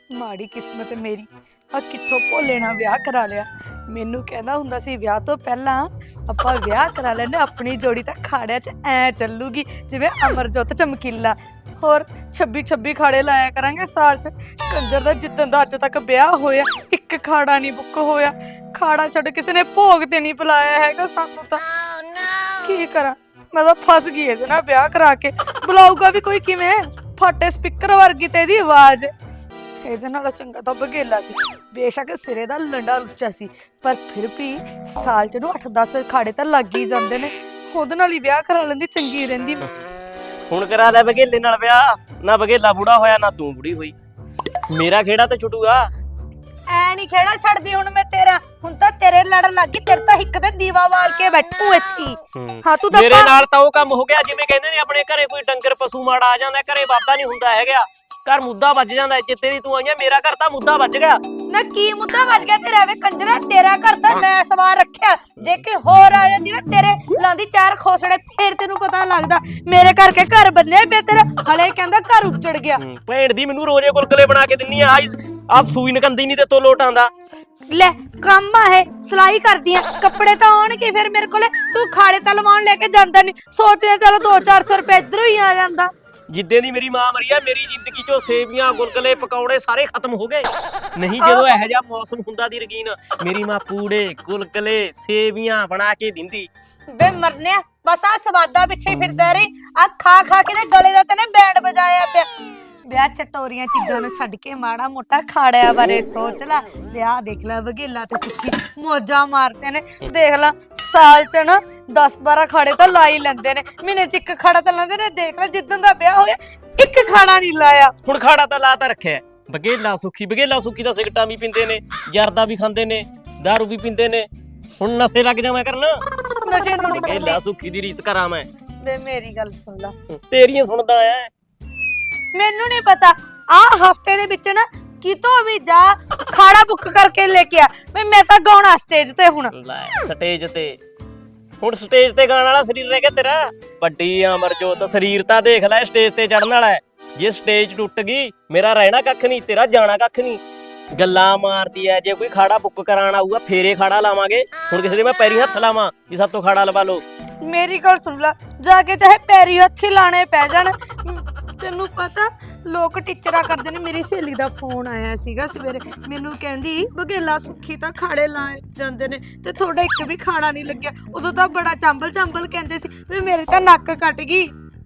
ਮਾੜੀ ਕਿਸਮਤ ਮੇਰੀ ਆ ਕਿੱਥੋਂ ਭੋਲੇ ਨਾਲ ਵਿਆਹ ਕਰਾ ਲਿਆ। ਮੈਨੂੰ ਕਹਿੰਦਾ ਹੁੰਦਾ ਸੀ ਵਿਆਹ ਤੋਂ ਪਹਿਲਾਂ ਆਪਾਂ ਵਿਆਹ ਕਰਾ ਲੈਨੇ, ਆਪਣੀ ਜੋੜੀ ਤਾਂ ਖਾੜਿਆਂ 'ਚ ਐ ਚੱਲੂਗੀ ਜਿਵੇਂ ਅਮਰਜੋਤ ਚਮਕੀਲਾ। ਹੋਰ 26 ਖਾੜੇ ਲਾਇਆ ਕਰਾਂਗੇ ਸਾਲ 'ਚ। ਕੰਜਰ ਦਾ ਜਿੱਦਣ ਦਾ ਅੱਜ ਤੱਕ ਵਿਆਹ ਹੋਇਆ ਇੱਕ ਖਾੜਾ ਨਹੀਂ ਬੁੱਕ ਹੋਇਆ। ਖਾੜਾ ਛੱਡ ਕਿਸੇ ਨੇ ਭੋਗ ਤੇ ਨਹੀਂ ਬੁਲਾਇਆ ਹੈਗਾ ਸਾਨੂੰ ਤਾਂ। ਕੀ ਕਰਾਂ, ਮੈਂ ਤਾਂ ਫਸ ਗਈ ਇਹਦੇ ਨਾਲ ਵਿਆਹ ਕਰਾ ਕੇ। ਬੁਲਾਊਗਾ ਵੀ ਕੋਈ ਕਿਵੇਂ? ਫਾਟੇ ਸਪੀਕਰ ਵਰਗੀ ਤੇ ਇਹਦੀ ਆਵਾਜ਼। ਇਹਦੇ ਨਾਲੋਂ ਚੰਗਾ ਤਾਂ ਬਘੇਲਾ ਸੀ। ਬੇਸ਼ੱਕ ਸਿਰੇ ਦਾ ਲੰਡਾ ਉੱਚਾ ਸੀ, ਪਰ ਫਿਰ ਵੀ ਸਾਲ ਚ ਨੂੰ 8-10 ਖਾੜੇ ਤਾਂ ਲੱਗ ਹੀ ਜਾਂਦੇ ਨੇ। ਉਹਦੇ ਨਾਲ ਹੀ ਵਿਆਹ ਕਰਾ ਲੈਂਦੀ, ਚੰਗੀ ਰਹਿੰਦੀ। ਹੁਣ ਕਰਾ ਲੈ ਬਘੇਲੇ ਨਾਲ ਵਿਆਹ। ਨਾ ਬਘੇਲਾ ਬੁੜਾ ਹੋਇਆ ਨਾ ਤੂੰ ਬੁੜੀ ਹੋਈ। ਮੇਰਾ ਖੇੜਾ ਤੇ ਛੁੱਟੂਗਾ। ਐ ਨਹੀਂ ਖੇੜਾ ਛੱਡਦੀ ਹੁਣ ਮੈਂ ਤੇਰਾ। ਹੁਣ ਤਾਂ ਤੇਰੇ ਲੜਨ ਲੱਗ ਗਈ। ਤੇਰੇ ਤਾਂ ਹਿੱਕ ਤੇ ਦੀਵਾ ਵਾਲ ਕੇ ਬੈਠੂ ਇੱਥੇ। ਹਾਂ ਤੂੰ ਤਾਂ ਮੇਰੇ ਨਾਲ ਤਾਂ ਉਹ ਕੰਮ ਹੋ ਗਿਆ ਜਿਵੇਂ ਕਹਿੰਦੇ ਨੇ ਆਪਣੇ ਘਰੇ ਕੋਈ ਡੰਗਰ ਪਸ਼ੂ ਮਾੜਾ ਆ ਜਾਂਦਾ, ਘਰੇ ਵਾਧਾ ਨਹੀਂ ਹੁੰਦਾ ਹੈਗਾ, ਘਰ ਮੁੱਦਾ ਵੱਜ ਜਾਂਦਾ। ਜਿੱਤੇ ਦੀ ਤੂੰ ਆਈਆਂ ਮੇਰਾ ਘਰ ਤਾਂ ਮੁੱਦਾ ਵੱਜ ਗਿਆ। ਨਾ ਕੀ ਮੁੱਦਾ ਵੱਜ ਗਿਆ ਤੇਰਾ? ਵੇ ਕੰਜਰਾ, ਤੇਰਾ ਘਰ ਤਾਂ ਮੈਂ ਸਵਾਰ ਰੱਖਿਆ। ਜੇ ਕਿ ਹੋਰ ਆ ਜਾਂਦੀ ਨਾ ਤੇਰੇ ਲਾਂਦੀ ਚਾਰ ਖੋਸੜੇ, ਫੇਰ ਤੈਨੂੰ ਪਤਾ ਲੱਗਦਾ। ਮੇਰੇ ਕਰਕੇ ਘਰ ਬੰਨੇ ਪਏ ਤੇਰਾ, ਹਲੇ ਕਹਿੰਦਾ ਘਰ ਉੱਜੜ ਗਿਆ। ਭੈਣ ਦੀ ਮੈਨੂੰ ਰੋਜ਼ੇ ਗੁਲਗੁਲੇ ਬਣਾ ਕੇ ਦਿੰਨੀ ਆ ਸੂਈ ਨਕੰਦੀ ਨਹੀਂ ਤੇ ਤੋ ਲੋਟ ਆਂਦਾ। ਲੈ ਕੰਮ ਆ ਇਹ, ਸਿਲਾਈ ਕਰਦੀ ਆ, ਕੱਪੜੇ ਤਾਂ ਆਉਣਗੇ ਫਿਰ ਮੇਰੇ ਕੋਲੇ। ਤੂੰ ਖਾਲੇ ਤਾਂ ਲਵਾਉਣ ਲੈ ਕੇ ਜਾਂਦਾ ਨਹੀਂ। ਸੋਚਦੇ ਚਲ 200-400 ਰੁਪਏ ਇਧਰੋਂ ਹੀ ਆ ਜਾਂਦਾ। ਜਿੱਦੇ ਦੀ ਮੇਰੀ ਮਾਂ ਮਰੀ ਆ, ਮੇਰੀ ਜ਼ਿੰਦਗੀ ਚੋਂ ਸੇਵੀਆਂ ਗੁਲਗੁਲੇ ਪਕੌੜੇ ਸਾਰੇ ਖਤਮ ਹੋ ਗਏ। ਨਹੀਂ ਜਦੋਂ ਇਹੋ ਜਿਹਾ ਮੌਸਮ ਹੁੰਦਾ ਦੀ ਰਗੀਨ, ਮੇਰੀ ਮਾਂ ਪੂੜੇ ਗੁਲਗੁਲੇ ਸੇਵੀਆਂ ਬਣਾ ਕੇ ਦਿੰਦੀ। ਬੇ ਮਰਨਿਆ, ਬਸ ਆ ਸਵਾਦਾ ਪਿੱਛੇ ਫਿਰਦਾ ਰਹੀ। ਆ ਖਾ ਖਾ ਕੇ ਤੇ ਗਲੇ ਦਾ ਤੈਨੇ ਬੈਂਡ ਵਜਾਇਆ ਪਿਆ। ਵਿਆਹ ਚਟੋਰੀਆਂ ਚੀਜ਼ਾਂ ਨੂੰ ਛੱਡ ਕੇ ਮਾੜਾ ਮੋਟਾ ਖਾੜਿਆਂ ਬਾਰੇ ਸੋਚ ਲੈ। ਵਿਆਹ ਦੇਖ ਲੈ, ਬਘੇਲਾ ਤੇ ਸੁੱਖੀ ਮੋਜਾਂ ਮਾਰਦੇ ਨੇ। ਦੇਖ ਲੈ ਸਾਲ ਚ ਨਾ 10-12 ਖਾੜੇ ਤਾਂ ਲਾ ਹੀ ਲੈਂਦੇ ਨੇ, ਮਹੀਨੇ ਚ ਇੱਕ ਖਾੜਾ ਤਾਂ ਲਾਉਂਦੇ ਨੇ। ਦੇਖ ਲੈ ਜਿੱਦਣ ਦਾ ਵਿਆਹ ਹੋਇਆ ਇੱਕ ਖਾੜਾ ਨਹੀਂ ਲਾਇਆ। ਹੁਣ ਖਾੜਾ ਤਾਂ ਲਾ ਤਾਂ ਰੱਖਿਆ। ਬਘੇਲਾ ਸੁੱਖੀ ਤਾਂ ਸਿਗਰਟਾਂ ਵੀ ਪੀਂਦੇ ਨੇ, ਜਰਦਾ ਵੀ ਖਾਂਦੇ ਨੇ, ਦਾਰੂ ਵੀ ਪੀਂਦੇ ਨੇ। ਹੁਣ ਨਸ਼ੇ ਲੱਗ ਜਾਵਾਂ ਕਰਨ। ਨਸ਼ੇ ਨੂੰ ਨਹੀਂ ਬਘੇਲਾ ਸੁੱਖੀ ਦੀ ਰੀਸ ਕਰਾਂ ਮੈਂ। ਵੇ ਮੇਰੀ ਗੱਲ ਸੁਣ ਲੈ, ਤੇਰੀਆਂ ਸੁਣਦਾ ਐ। ਮੈਨੂੰ ਨਹੀਂ ਪਤਾ। ਆ ਹਫਤੇ ਦੇ ਵਿੱਚ ਨਾ ਕਿਤੋਂ ਵੀ ਜਾ ਖਾੜਾ ਬੁੱਕ ਕਰਕੇ ਲੈ ਕੇ ਆ। ਮੈਂ ਤਾਂ ਗਾਉਣਾ ਸਟੇਜ ਤੇ। ਹੁਣ ਲੈ ਸਟੇਜ ਤੇ, ਹੁਣ ਸਟੇਜ ਤੇ ਗਾਣ ਵਾਲਾ ਸਰੀਰ ਰਹਿ ਗਿਆ ਤੇਰਾ। ਵੱਡੀ ਅਮਰਜੋਤ ਸਰੀਰ ਤਾਂ ਦੇਖ ਲੈ, ਸਟੇਜ ਤੇ ਚੜਨ ਵਾਲਾ ਹੈ। ਜੇ ਸਟੇਜ ਟੁੱਟ ਗਈ ਮੇਰਾ ਰਹਿਣਾ ਕੱਖ ਨਹੀਂ, ਤੇਰਾ ਜਾਣਾ ਕੱਖ ਨਹੀਂ। ਗੱਲਾਂ ਮਾਰਦੀ ਐ। ਜੇ ਕੋਈ ਖਾੜਾ ਬੁੱਕ ਕਰਾਣ ਆਊਗਾ ਫੇਰੇ ਖਾੜਾ ਲਾਵਾਂਗੇ। ਹੁਣ ਕਿਸੇ ਦੇ ਮੈਂ ਪੈਰੀ ਹੱਥ ਲਾਵਾਂ ਵੀ ਸਭ ਤੋਂ ਖਾੜਾ ਲਵਾ ਲਓ। ਮੇਰੀ ਗੱਲ ਸੁਣ ਲੈ, ਜਾ ਕੇ ਚਾਹੇ ਪੈਰੀ ਹੱਥੀ ਲਾਣੇ ਪੈ ਜਾਣ। ਤੈਨੂੰ ਪਤਾ ਲੋਕ ਟੀਚਰਾਂ ਕਰਦੇ ਨੇ। ਮੇਰੀ ਸਹੇਲੀ ਦਾ ਫੋਨ ਆਇਆ ਸੀਗਾ ਸਵੇਰੇ, ਮੈਨੂੰ ਕਹਿੰਦੀ ਬਘੇਲਾ ਸੁੱਖੀ ਤਾਂ ਖਾੜੇ ਲਾ ਜਾਂਦੇ ਨੇ ਤੇ ਤੁਹਾਡਾ ਇੱਕ ਵੀ ਖਾੜਾ ਨਹੀਂ ਲੱਗਿਆ। ਉਦੋਂ ਤਾਂ ਬੜਾ ਚੰਬਲ ਕਹਿੰਦੇ ਸੀ ਵੀ ਮੇਰੇ ਤਾਂ ਨੱਕ ਕੱਟ ਗਈ।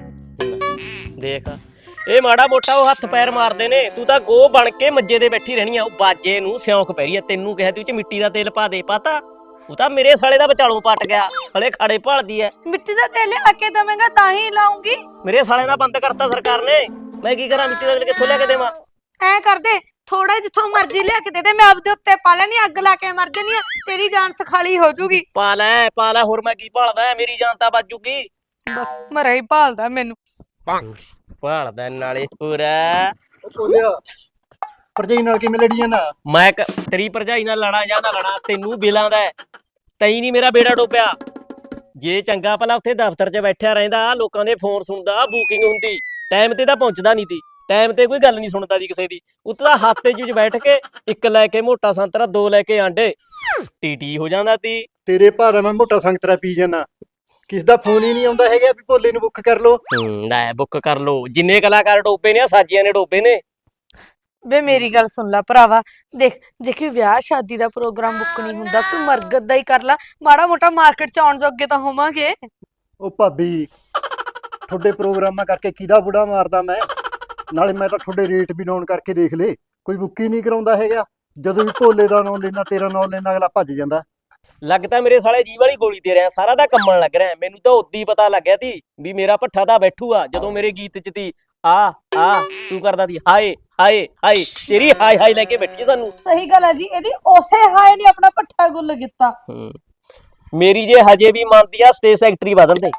ਦੇਖ ਇਹ ਮਾੜਾ ਮੋਟਾ ਉਹ ਹੱਥ ਪੈਰ ਮਾਰਦੇ ਨੇ, ਤੂੰ ਤਾਂ ਗੋ ਬਣ ਕੇ ਮੱਜੇ ਦੇ ਬੈਠੀ ਰਹਿਣੀ ਆ। ਉਹ ਬਾਜੇ ਨੂੰ ਸਿਉਂਕ ਪੈ ਰਹੀ ਆ। ਤੈਨੂੰ ਕਿਹਾ ਤੂੰ ਚ ਮਿੱਟੀ ਦਾ ਤੇਲ ਪਾ ਦੇ, ਪਾਤਾ? ਉਹ ਤਾਂ ਮੇਰੇ ਸਾਲੇ ਦਾ ਵਿਚਾਲੋਂ ਪਟ ਗਿਆ, ਹਲੇ ਖਾੜੇ ਭਾਲਦੀ ਐ। ਮਿੱਟੀ ਦਾ ਤੇਲ ਲਿਆ ਕੇ ਦਵੇਂਗਾ ਤਾਂ ਹੀ ਲਾਉਂਗੀ। ਮੇਰੇ ਸਾਲੇ ਦਾ ਬੰਦ ਕਰਤਾ ਸਰਕਾਰ ਨੇ। ਮੈਂ ਕੀ ਕਰਾਂ? ਮਿੱਟੀ ਦਾ ਤੇਲ ਕਿੱਥੋਂ ਲਿਆ ਕੇ ਦੇਵਾਂ? ਐ ਕਰਦੇ ਥੋੜਾ ਜਿੱਥੋਂ ਮਰਜ਼ੀ ਲਿਆ ਕੇ ਦੇ ਦੇ, ਮੈਂ ਆਪਦੇ ਉੱਤੇ ਪਾ ਲੈਣੀ, ਅੱਗ ਲਾ ਕੇ ਮਰ ਜਾਨੀ ਆ। ਤੇਰੀ ਜਾਨ ਸਖਾਲੀ ਹੋ ਜੂਗੀ। ਪਾ ਲੈ ਹੋਰ ਮੈਂ ਕੀ ਭਾਲਦਾ? ਮੇਰੀ ਜਾਨ ਤਾਂ ਬਚ ਜੂਗੀ। ਬਸ ਮਰੇ ਹੀ ਭਾਲਦਾ ਮੈਨੂੰ। ਭਾਲਦਾ ਨਾਲੇ ਪੂਰਾ। ਭਰਜਾਈ ਨਾਲ ਕਿਵੇਂ ਲੜੀ ਜਾਂਦਾ? ਮੈਂ ਤੇਰੀ ਭਰਜਾਈ ਨਾਲ ਲੜਾਂ ਜਾਂ ਨਾ ਲੜਾਂ ਤੈਨੂੰ ਬਿਲਾਂਦਾ। ਤਈ ਨਹੀਂ ਮੇਰਾ ਬੇੜਾ ਡੋਬਿਆ। ਜੇ ਚੰਗਾ ਭਲਾ ਉੱਥੇ ਦਫ਼ਤਰ 'ਚ ਬੈਠਿਆ ਰਹਿੰਦਾ, ਲੋਕਾਂ ਦੇ ਫੋਨ ਸੁਣਦਾ, ਬੁਕਿੰਗ ਹੁੰਦੀ, ਟਾਈਮ ਤੇ ਤਾਂ ਪਹੁੰਚਦਾ ਨਹੀਂ ਤੀ। ਟਾਈਮ ਤੇ ਕੋਈ ਗੱਲ ਨਹੀਂ ਸੁਣਦਾ ਦੀ ਕਿਸੇ ਦੀ। ਉੱਤੇ ਤਾਂ ਹੱਥ 'ਚ ਬੈਠ ਕੇ ਇੱਕ ਲੈ ਕੇ ਮੋਟਾ ਸੰਤਰਾ, 2 ਲੈ ਕੇ ਆਂਡੇ, ਟੀਟੀ ਹੋ ਜਾਂਦਾ ਤੀ। ਤੇਰੇ ਭਾਰਾ ਮੈਂ ਮੋਟਾ ਸੰਗਤਰਾ ਪੀ ਜਾਣਾ। ਕਿਸ ਦਾ ਫੋਨ ਹੀ ਨਹੀਂ ਆਉਂਦਾ ਹੈਗਾ ਵੀ ਭੋਲੇ ਨੂੰ ਬੁੱਕ ਕਰ ਲੋ। ਲੈ ਬੁੱਕ ਕਰ ਲੋ। ਜਿੰਨੇ ਕਲਾਕਾਰ ਡੋਬੇ ਨੇ ਸਾਜੀਆਂ ਨੇ ਡੋਬੇ ਨੇ। ਵੇ ਮੇਰੀ ਗੱਲ ਸੁਣ ਲੈ ਭਰਾਵਾ, ਦੇਖ ਜੇ ਕਿ ਵਿਆਹ ਸ਼ਾਦੀ ਦਾ ਪ੍ਰੋਗਰਾਮ ਬੁੱਕ ਨਹੀਂ ਹੁੰਦਾ, ਤੂੰ ਮਰਗਤ ਦਾ ਹੀ ਕਰ ਲੈ। ਮਾੜਾ ਮੋਟਾ ਮਾਰਕੀਟ 'ਚ ਆਉਣ ਜੋਗੇ ਤਾਂ ਹੋਵਾਂਗੇ। ਉਹ ਭਾਬੀ ਤੁਹਾਡੇ ਪ੍ਰੋਗਰਾਮਾਂ ਕਰਕੇ ਕਿਹਦਾ ਬੁੜਾ ਮਾਰਦਾ ਮੈਂ? ਨਾਲੇ ਮੈਂ ਤਾਂ ਤੁਹਾਡੇ ਰੇਟ ਵੀ ਨੋਨ ਕਰਕੇ ਦੇਖ ਲੇ, ਕੋਈ ਬੁੱਕ ਹੀ ਨਹੀਂ ਕਰਾਉਂਦਾ ਹੈਗਾ। ਜਦੋਂ ਵੀ ਭੋਲੇ ਦਾ ਨਾਂ ਲੈਂਦਾ, ਤੇਰਾ ਨਾਂ ਲੈਂਦਾ, ਅਗਲਾ ਭੱਜ ਜਾਂਦਾ। ਲੱਗਦਾ ਮੇਰੇ ਸਾਲੇ ਜੀਵ ਵਾਲੀ ਗੋਲੀ ਤੇ ਰਿਹਾ, ਸਾਰਾ ਦਾ ਕੰਮਣ ਲੱਗ ਰਿਹਾ। ਮੈਨੂੰ ਤਾਂ ਉਦੋਂ ਹੀ ਪਤਾ ਲੱਗਿਆ ਤੀ ਵੀ ਮੇਰਾ ਭੱਠਾ ਤਾਂ ਬੈਠੂਗਾ ਜਦੋਂ ਮੇਰੇ ਗੀਤ 'ਚ ਤੀ ਆ ਤੂੰ ਕਰਦਾ ਤੀ ਹਾਏ ਹਾਏ ਹਾਏ। ਤੇਰੀ ਹਾਏ ਹਾਏ ਲੈ ਕੇ ਬੈਠੀ ਸਾਨੂੰ। ਸਹੀ ਗੱਲ ਹੈ ਜੀ, ਇਹਦੀ ਉਸੇ ਹਾਏ ਨੇ ਆਪਣਾ ਭੱਠਾ ਗੁੱਲ ਕੀਤਾ। ਮੇਰੀ ਜੇ ਹਜੇ ਵੀ ਮੰਨਦੀ ਆ ਸਟੇਜ ਸੈਕਟਰੀ ਬਦਲ ਦੇ।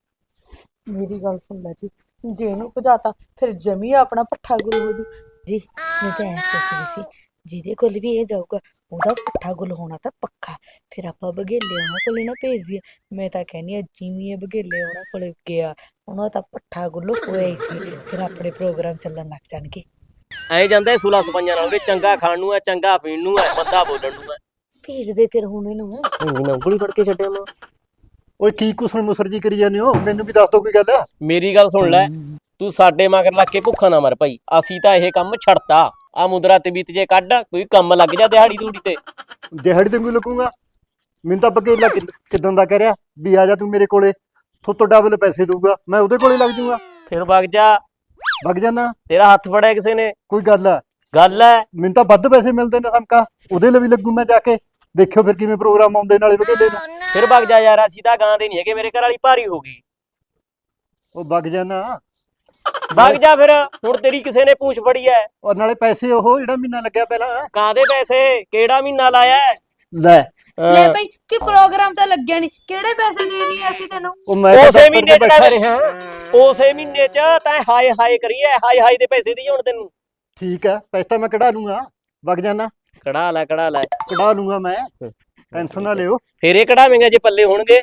ਮੇਰੀ ਗੱਲ ਸੁਣ ਲੈ ਜੀ, ਜੇ ਇਹਨੂੰ ਭਜਾਤਾ ਫਿਰ ਜਮੀ ਆਪਣਾ ਭੱਠਾ ਗੁੱਲ ਹੋ ਜੂ ਜੀ। ਮੈਂ ਤਾਂ ਐਂ ਸੋਚਦੀ ਸੀ ਜਿਹਦੇ ਕੋਲ ਵੀ ਇਹ ਜਾਊਗਾ ਉਹਦਾ ਭੱਠਾ ਗੁੱਲ ਹੋਣਾ ਤਾਂ ਪੱਕਾ। ਫਿਰ ਆਪਾਂ ਬਘੇਲੇ ਉਹਨਾਂ ਕੋਲ ਨਾ ਭੇਜ ਦਈਏ। ਮੈਂ ਤਾਂ ਕਹਿੰਦੀ ਆ ਜਿਵੇਂ ਇਹ ਬਘੇਲੇ ਉਹਨਾਂ ਕੋਲ ਗਿਆ, ਉਹਨਾਂ ਦਾ ਭੱਠਾ ਗੁੱਲ ਹੋਇਆ ਹੀ ਸੀ। ਫਿਰ ਆਪਣੇ ਪ੍ਰੋਗਰਾਮ ਚੱਲਣ ਲੱਗ ਜਾਣਗੇ। ਐ ਜਾਂਦਾ ਇਹ ਸੁਲਾ ਸਪਾਈਆਂ ਨਾਲ ਉਹਦੇ ਚੰਗਾ ਖਾਣ ਨੂੰ ਹੈ, ਚੰਗਾ ਪੀਣ ਨੂੰ ਹੈ, ਬੰਦਾ ਬੋਲਣ ਨੂੰ ਹੈ। ਭੇਜ ਦੇ ਫਿਰ ਹੁਣ ਇਹਨੂੰ। ਮੈਂ ਉਂਗਲੀ ਫੜ ਕੇ ਛੱਡਿਆ ਮੈਂ। ਓਏ ਕੀ ਕੁਸਣ ਮੁਸਰ ਜੀ ਕਰੀ ਜਾਂਦੇ ਹੋ, ਮੈਨੂੰ ਵੀ ਦੱਸ ਦੋ ਕੋਈ ਗੱਲ। ਮੇਰੀ ਗੱਲ ਸੁਣ ਲੈ, ਤੂੰ ਸਾਡੇ ਮਗਰ ਲੱਗ ਕੇ ਭੁੱਖਾ ਨਾ ਮਰ ਭਾਈ। ਅਸੀਂ ਤਾਂ ਇਹ ਕੰਮ ਛੱਡਤਾ। ਆ ਮੁੰਦਰਾ ਤੇ ਬੀਤ ਜੇ ਕੱਢ, ਕੋਈ ਕੰਮ ਲੱਗ ਜਾ ਦਿਹਾੜੀ ਦੂੜੀ ਤੇ। ਦਿਹਾੜੀ ਤੇ ਕੋਈ ਲੱਗੂਗਾ? ਮੈਨੂੰ ਤਾਂ ਬਗੇਲਾ ਕਿਦਾਂ ਦਾ ਕਹਿ ਰਿਹਾ ਵੀ ਆ ਜਾ ਤੂੰ ਮੇਰੇ ਕੋਲੇ, ਥੋਤੋਂ ਡਬਲ ਪੈਸੇ ਦਊਗਾ, ਮੈਂ ਉਹਦੇ ਕੋਲੇ ਲੱਗ ਜੂਗਾ। ਫਿਰ ਵਗ ਜਾ, ਵਗ ਜਾਣਾ। ਤੇਰਾ ਹੱਥ ਫੜਿਆ ਕਿਸੇ ਨੇ? ਕੋਈ ਗੱਲ ਆ? ਗੱਲ ਹੈ। ਮੈਨੂੰ ਤਾਂ ਵੱਧ ਪੈਸੇ ਮਿਲਦੇ ਨੇ ਸਮਕਾ, ਉਹਦੇ ਲਈ ਵੀ ਲੱਗੂ ਮੈਂ ਜਾ ਕੇ। ਦੇਖਿਓ ਫਿਰ ਕਿਵੇਂ ਪ੍ਰੋਗਰਾਮ ਆਉਂਦੇ ਨਾਲੇ ਬਗੇਲੇ ਨੂੰ। ਫਿਰ ਵਗ ਜਾ ਯਾਰ, ਅਸੀਂ ਤਾਂ ਗਾਂ ਦੇ ਨਹੀਂ ਹੈਗੇ, ਮੇਰੇ ਘਰ ਵਾਲੀ ਭਾਰੀ ਹੋ ਗਈ। ਉਹ ਵਗ ਜਾਣਾ। ਵਗ ਜਾ ਫਿਰ, ਹੁਣ ਤੇਰੀ ਕਿਸੇ ਨੇ ਪੂਛ ਫੜੀ ਐ। ਔਰ ਨਾਲੇ ਪੈਸੇ ਉਹ ਜਿਹੜਾ ਮਹੀਨਾ ਲੱਗਿਆ ਪਹਿਲਾਂ। ਕਾਹਦੇ ਪੈਸੇ? ਕਿਹੜਾ ਮਹੀਨਾ ਲਾਇਆ ਹੈ? ਲੈ ਲੈ ਭਾਈ ਕਿ ਪ੍ਰੋਗਰਾਮ ਤਾਂ ਲੱਗਿਆ ਨਹੀਂ, ਕਿਹੜੇ ਪੈਸੇ ਦੇ ਦਈਏ ਅਸੀਂ ਤੈਨੂੰ? ਉਹ ਮੈਂ ਤਾਂ ਉਸੇ ਦਫ਼ਤਰ ਮਹੀਨੇ ਚ ਬੈਠਾ ਤਾਂ ਰਿਹਾ। ਉਸੇ ਮਹੀਨੇ ਚ ਤਾਂ ਹਾਏ ਹਾਏ ਕਰੀਏ, ਹਾਏ ਹਾਏ ਦੇ ਪੈਸੇ ਦੀ ਹੁਣ ਤੈਨੂੰ। ਠੀਕ ਹੈ, ਪੈਸੇ ਤਾਂ ਮੈਂ ਕਢਾ ਲੂੰਗਾ, ਵਗ ਜਾਣਾ। ਕਢਾ ਲੈ ਕਢਾ ਲੈ, ਕਢਾ ਲੂੰਗਾ ਮੈਂ, ਟੈਨਸ਼ਨ ਨਾ ਲਿਓ। ਫੇਰ ਇਹ ਕਢਾਵੇਂਗਾ ਜੇ ਪੱਲੇ ਹੋਣਗੇ।